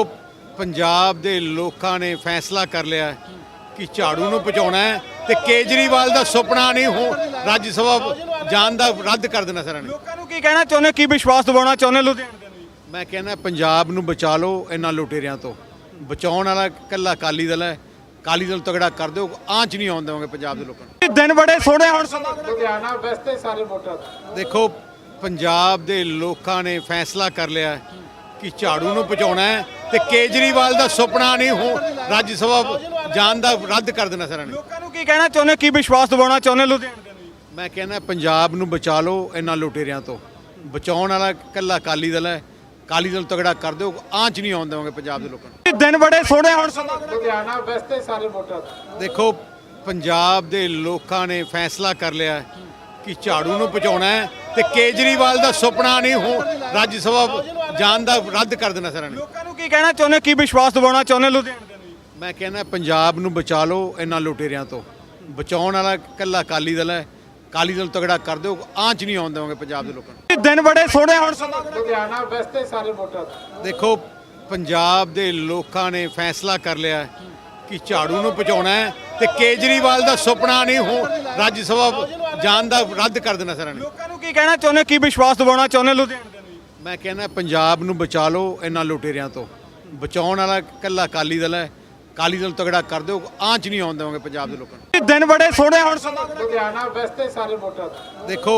[SPEAKER 1] ਪੰਜਾਬ ਦੇ ਲੋਕਾਂ ਨੇ ਫੈਸਲਾ ਕਰ ਲਿਆ ਹੈ ਕਿ ਝਾੜੂ ਨੂੰ ਪਹੁੰਚਾਉਣਾ ਹੈ ਤੇ ਕੇਜਰੀਵਾਲ ਦਾ ਸੁਪਨਾ ਨਹੀਂ ਹੋ ਰਾਜ ਸਭਾ ਜਾਣ ਦਾ ਰੱਦ ਕਰ ਦੇਣਾ ਸਾਰਿਆਂ ਨੇ।
[SPEAKER 2] ਲੋਕਾਂ ਨੂੰ ਕੀ ਕਹਿਣਾ ਚਾਹੁੰਦੇ, ਕੀ ਵਿਸ਼ਵਾਸ ਦਿਵਾਉਣਾ ਚਾਹੁੰਦੇ ਲੁਧਿਆਣੇ ਦੇ ਲਈ?
[SPEAKER 1] ਮੈਂ ਕਹਿੰਦਾ ਪੰਜਾਬ ਨੂੰ ਬਚਾ ਲਓ ਇਹਨਾਂ ਲੁਟੇਰਿਆਂ ਤੋਂ। ਬਚਾਉਣ ਵਾਲਾ ਇਕੱਲਾ ਅਕਾਲੀ ਦਲ ਹੈ। ਅਕਾਲੀ ਦਲ ਤਗੜਾ ਕਰ ਦਿਓ, ਆਂਚ ਨਹੀਂ ਆਉਣ ਦੇਵਾਂਗੇ ਪੰਜਾਬ ਦੇ ਲੋਕਾਂ ਨੂੰ।
[SPEAKER 2] ਇਹ ਦਿਨ ਬੜੇ ਸੋਹਣੇ ਹੁਣ ਸਮਾਂ
[SPEAKER 3] ਲੁਧਿਆਣਾ ਵੈਸਤੇ ਸਾਰੇ ਵੋਟਰ ਦਾ।
[SPEAKER 1] ਦੇਖੋ ਪੰਜਾਬ ਦੇ ਲੋਕਾਂ ਨੇ ਫੈਸਲਾ ਕਰ ਲਿਆ ਹੈ ਕਿ ਝਾੜੂ ਨੂੰ ਪਹੁੰਚਾਉਣਾ ਹੈ ਤੇ ਕੇਜਰੀਵਾਲ ਦਾ ਸੁਪਨਾ ਨਹੀਂ ਹੋ ਰਾਜ ਸਭਾ ਜਾਣ ਦਾ ਰੱਦ ਕਰ ਦੇਣਾ ਸਾਰਿਆਂ ਨੇ।
[SPEAKER 2] ਲੋਕਾਂ ਨੂੰ ਕੀ ਕਹਿਣਾ ਚਾਹੁੰਦੇ, ਕੀ ਵਿਸ਼ਵਾਸ ਦਿਵਾਉਣਾ ਚਾਹੁੰਦੇ ਲੁਧਿਆਣੇ ਦੇ ਲਈ?
[SPEAKER 1] ਮੈਂ ਕਹਿੰਦਾ ਪੰਜਾਬ ਨੂੰ ਬਚਾ ਲਓ ਇਹਨਾਂ ਲੁਟੇਰਿਆਂ ਤੋਂ। ਬਚਾਉਣ ਵਾਲਾ ਇਕੱਲਾ ਅਕਾਲੀ ਦਲ ਹੈ। ਅਕਾਲੀ ਦਲ ਤਗੜਾ ਕਰ ਦਿਓ, ਆਂਚ ਨਹੀਂ ਆਉਣ ਦੇਵਾਂਗੇ ਪੰਜਾਬ ਦੇ ਲੋਕਾਂ ਨੂੰ।
[SPEAKER 2] ਇਹ ਦਿਨ ਬੜੇ ਸੋਹਣੇ ਹੁਣ ਸਮਾਂ
[SPEAKER 3] ਲੁਧਿਆਣਾ ਵੈਸਤੇ ਸਾਰੇ ਵੋਟਰ ਦਾ।
[SPEAKER 1] ਦੇਖੋ ਪੰਜਾਬ ਦੇ ਲੋਕਾਂ ਨੇ ਫੈਸਲਾ ਕਰ ਲਿਆ ਹੈ ਕਿ ਝਾੜੂ ਨੂੰ ਪਹੁੰਚਾਉਣਾ ਹੈ ਤੇ ਕੇਜਰੀਵਾਲ ਦਾ ਸੁਪਨਾ ਨਹੀਂ ਹੋ ਰਾਜ ਸਭਾ ਜਾਣ ਦਾ ਰੱਦ ਕਰ ਦੇਣਾ ਸਾਰਿਆਂ ਨੇ।
[SPEAKER 2] ਲੋਕਾਂ ਨੂੰ ਕੀ ਕਹਿਣਾ ਚਾਹੁੰਦੇ, ਕੀ ਵਿਸ਼ਵਾਸ ਦਿਵਾਉਣਾ ਚਾਹੁੰਦੇ ਲੁਧਿਆਣੇ ਦੇ ਲਈ?
[SPEAKER 1] ਮੈਂ ਕਹਿੰਦਾ ਪੰਜਾਬ ਨੂੰ ਬਚਾ ਲਓ ਇਹਨਾਂ ਲੁਟੇਰਿਆਂ ਤੋਂ। ਬਚਾਉਣ ਵਾਲਾ ਇਕੱਲਾ ਅਕਾਲੀ ਦਲ ਹੈ। ਅਕਾਲੀ ਦਲ ਤਗੜਾ ਕਰ ਦਿਓ, ਆਂਚ ਨਹੀਂ ਆਉਣ ਦੇਵਾਂਗੇ ਪੰਜਾਬ ਦੇ ਲੋਕਾਂ ਨੂੰ।
[SPEAKER 2] ਇਹ ਦਿਨ ਬੜੇ ਸੋਹਣੇ ਹੁਣ ਸਮਾਂ
[SPEAKER 3] ਲੁਧਿਆਣਾ ਵੈਸਤੇ ਸਾਰੇ ਵੋਟਰ ਦਾ।
[SPEAKER 1] ਦੇਖੋ ਪੰਜਾਬ ਦੇ ਲੋਕਾਂ ਨੇ ਫੈਸਲਾ ਕਰ ਲਿਆ ਹੈ ਕਿ ਝਾੜੂ ਨੂੰ ਪਹੁੰਚਾਉਣਾ ਹੈ ਤੇ ਕੇਜਰੀਵਾਲ ਦਾ ਸੁਪਨਾ ਨਹੀਂ ਹੋ ਰਾਜ ਸਭਾ ਜਾਣ ਦਾ ਰੱਦ ਕਰ ਦੇਣਾ ਸਾਰਿਆਂ ਨੇ।
[SPEAKER 2] ਲੋਕਾਂ ਨੂੰ ਕੀ ਕਹਿਣਾ ਚਾਹੁੰਦੇ, ਕੀ ਵਿਸ਼ਵਾਸ ਦਿਵਾਉਣਾ ਚਾਹੁੰਦੇ ਲੁਧਿਆਣੇ ਦੇ ਲਈ?
[SPEAKER 1] ਮੈਂ ਕਹਿੰਦਾ ਪੰਜਾਬ ਨੂੰ ਬਚਾ ਲਓ ਇਹਨਾਂ ਲੁਟੇਰਿਆਂ ਤੋਂ। ਬਚਾਉਣ ਵਾਲਾ ਇਕੱਲਾ ਅਕਾਲੀ ਦਲ ਹੈ। ਅਕਾਲੀ ਦਲ ਤਗੜਾ ਕਰ ਦਿਓ, ਆਂਚ ਨਹੀਂ ਆਉਣ ਦੇਵਾਂਗੇ ਪੰਜਾਬ ਦੇ ਲੋਕਾਂ ਨੂੰ।
[SPEAKER 2] ਇਹ ਦਿਨ ਬੜੇ ਸੋਹਣੇ ਹੁਣ ਸਮਾਂ
[SPEAKER 3] ਲੁਧਿਆਣਾ ਵੈਸਤੇ ਸਾਰੇ ਵੋਟਰ ਦਾ।
[SPEAKER 1] ਦੇਖੋ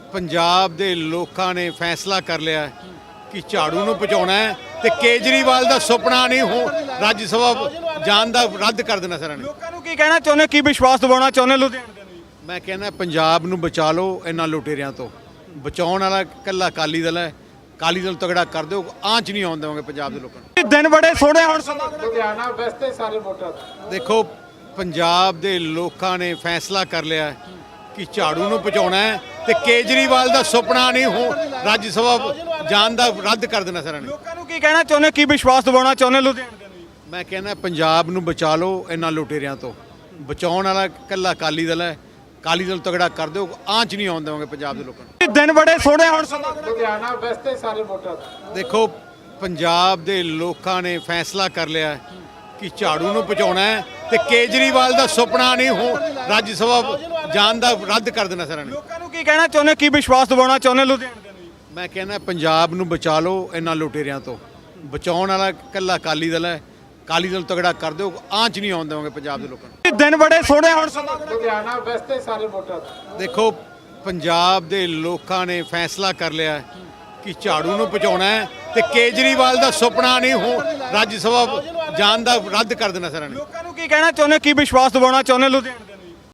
[SPEAKER 1] ਪੰਜਾਬ ਦੇ ਲੋਕਾਂ ਨੇ ਫੈਸਲਾ ਕਰ ਲਿਆ ਹੈ ਕਿ ਝਾੜੂ ਨੂੰ ਪਹੁੰਚਾਉਣਾ ਹੈ ਤੇ ਕੇਜਰੀਵਾਲ ਦਾ ਸੁਪਨਾ ਨਹੀਂ ਹੋ ਰਾਜ ਸਭਾ ਜਾਣ ਦਾ ਰੱਦ ਕਰ ਦੇਣਾ ਸਾਰਿਆਂ ਨੇ।
[SPEAKER 2] ਲੋਕਾਂ ਨੂੰ ਕੀ ਕਹਿਣਾ ਚਾਹੁੰਦੇ, ਕੀ ਵਿਸ਼ਵਾਸ ਦਿਵਾਉਣਾ ਚਾਹੁੰਦੇ ਲੁਧਿਆਣੇ ਦੇ ਲਈ?
[SPEAKER 1] ਮੈਂ ਕਹਿੰਦਾ ਪੰਜਾਬ ਨੂੰ ਬਚਾ ਲਓ ਇਹਨਾਂ ਲੁਟੇਰਿਆਂ ਤੋਂ। ਬਚਾਉਣ ਵਾਲਾ ਇਕੱਲਾ ਅਕਾਲੀ ਦਲ ਹੈ। ਅਕਾਲੀ ਦਲ ਤਗੜਾ ਕਰ ਦਿਓ, ਆਂਚ ਨਹੀਂ ਆਉਣ ਦੇਵਾਂਗੇ ਪੰਜਾਬ ਦੇ ਲੋਕਾਂ ਨੂੰ।
[SPEAKER 2] ਇਹ ਦਿਨ ਬੜੇ ਸੋਹਣੇ ਹੁਣ ਸਮਾਂ
[SPEAKER 3] ਲੁਧਿਆਣਾ ਵੈਸਤੇ ਸਾਰੇ ਵੋਟਰ ਦਾ।
[SPEAKER 1] ਦੇਖੋ ਪੰਜਾਬ ਦੇ ਲੋਕਾਂ ਨੇ ਫੈਸਲਾ ਕਰ ਲਿਆ ਹੈ ਕਿ ਝਾੜੂ ਨੂੰ ਬਚਾਉਣਾ ਹੈ ਤੇ ਕੇਜਰੀਵਾਲ ਦਾ ਸੁਪਨਾ ਨਹੀਂ ਹੋ ਰਾਜ ਸਭਾ ਜਾਣ ਦਾ ਰੱਦ ਕਰ ਦੇਣਾ ਸਾਰਿਆਂ ਨੇ।
[SPEAKER 2] ਲੋਕਾਂ ਨੂੰ ਕੀ ਕਹਿਣਾ ਚਾਹੁੰਦੇ ਕੀ ਵਿਸ਼ਵਾਸ ਦਿਵਾਉਣਾ ਚਾਹੁੰਦੇ ਲੁਧਿਆਣੇ ਦੇ ਨੂੰ ਜੀ?
[SPEAKER 1] ਮੈਂ ਕਹਿੰਦਾ ਪੰਜਾਬ ਨੂੰ ਬਚਾ ਲਓ ਇਹਨਾਂ ਲੁਟੇਰਿਆਂ ਤੋਂ। ਬਚਾਉਣ ਵਾਲਾ ਇਕੱਲਾ ਅਕਾਲੀ ਦਲ ਹੈ। ਅਕਾਲੀ ਦਲ ਤਗੜਾ ਕਰ ਦਿਓ, ਆਂਚ ਨਹੀਂ ਆਉਣ ਦੇਵਾਂਗੇ ਪੰਜਾਬ ਦੇ ਲੋਕਾਂ ਨੂੰ।
[SPEAKER 2] ਇਹ ਦਿਨ ਬੜੇ ਸੋਹਣੇ ਹੁਣ ਸਮਾਂ
[SPEAKER 3] ਲੁਧਿਆਣਾ ਵੈਸਤੇ ਸਾਰੇ ਵੋਟਰ ਦਾ।
[SPEAKER 1] ਦੇਖੋ ਪੰਜਾਬ ਦੇ ਲੋਕਾਂ ਨੇ ਫੈਸਲਾ ਕਰ ਲਿਆ ਹੈ ਕਿ ਝਾੜੂ ਨੂੰ ਬਚਾਉਣਾ ਹੈ ਤੇ ਕੇਜਰੀਵਾਲ ਦਾ ਸੁਪਨਾ ਨਹੀਂ ਹੋ ਰਾਜ ਸਭਾ ਜਾਣ ਦਾ ਰੱਦ ਕਰ ਦੇਣਾ ਸਾਰਿਆਂ ਨੇ।
[SPEAKER 2] ਲੋਕਾਂ ਨੂੰ ਕੀ ਕਹਿਣਾ ਚਾਹੁੰਦੇ ਕੀ ਵਿਸ਼ਵਾਸ ਦਿਵਾਉਣਾ ਚਾਹੁੰਦੇ ਲੁਧਿਆਣੇ ਦੇ ਨੂੰ ਜੀ?
[SPEAKER 1] ਮੈਂ ਕਹਿੰਦਾ ਪੰਜਾਬ ਨੂੰ ਬਚਾ ਲਓ ਇਹਨਾਂ ਲੁਟੇਰਿਆਂ ਤੋਂ। ਬਚਾਉਣ ਵਾਲਾ ਇਕੱਲਾ ਅਕਾਲੀ ਦਲ ਹੈ। ਅਕਾਲੀ ਦਲ ਤਗੜਾ ਕਰ ਦਿਓ, ਆਂਚ ਨਹੀਂ ਆਉਣ ਦੇਵਾਂਗੇ ਪੰਜਾਬ ਦੇ ਲੋਕਾਂ ਨੂੰ।
[SPEAKER 2] ਇਹ ਦਿਨ ਬੜੇ ਸੋਹਣੇ ਹੁਣ ਸਮਾਂ
[SPEAKER 3] ਲੁਧਿਆਣਾ ਵੈਸਤੇ ਸਾਰੇ ਵੋਟਰ ਦਾ।
[SPEAKER 1] ਦੇਖੋ ਪੰਜਾਬ ਦੇ ਲੋਕਾਂ ਨੇ ਫੈਸਲਾ ਕਰ ਲਿਆ ਹੈ ਕਿ ਝਾੜੂ ਨੂੰ ਬਚਾਉਣਾ ਹੈ ਤੇ ਕੇਜਰੀਵਾਲ ਦਾ ਸੁਪਨਾ ਨਹੀਂ ਹੋ ਰਾਜ ਸਭਾ ਜਾਣ ਦਾ ਰੱਦ ਕਰ ਦੇਣਾ ਸਾਰਿਆਂ ਨੇ।
[SPEAKER 2] ਲੋਕਾਂ ਨੂੰ ਕੀ ਕਹਿਣਾ ਚਾਹੁੰਦੇ ਕੀ ਵਿਸ਼ਵਾਸ ਦਿਵਾਉਣਾ ਚਾਹੁੰਦੇ ਲੁਧਿਆਣੇ ਦੇ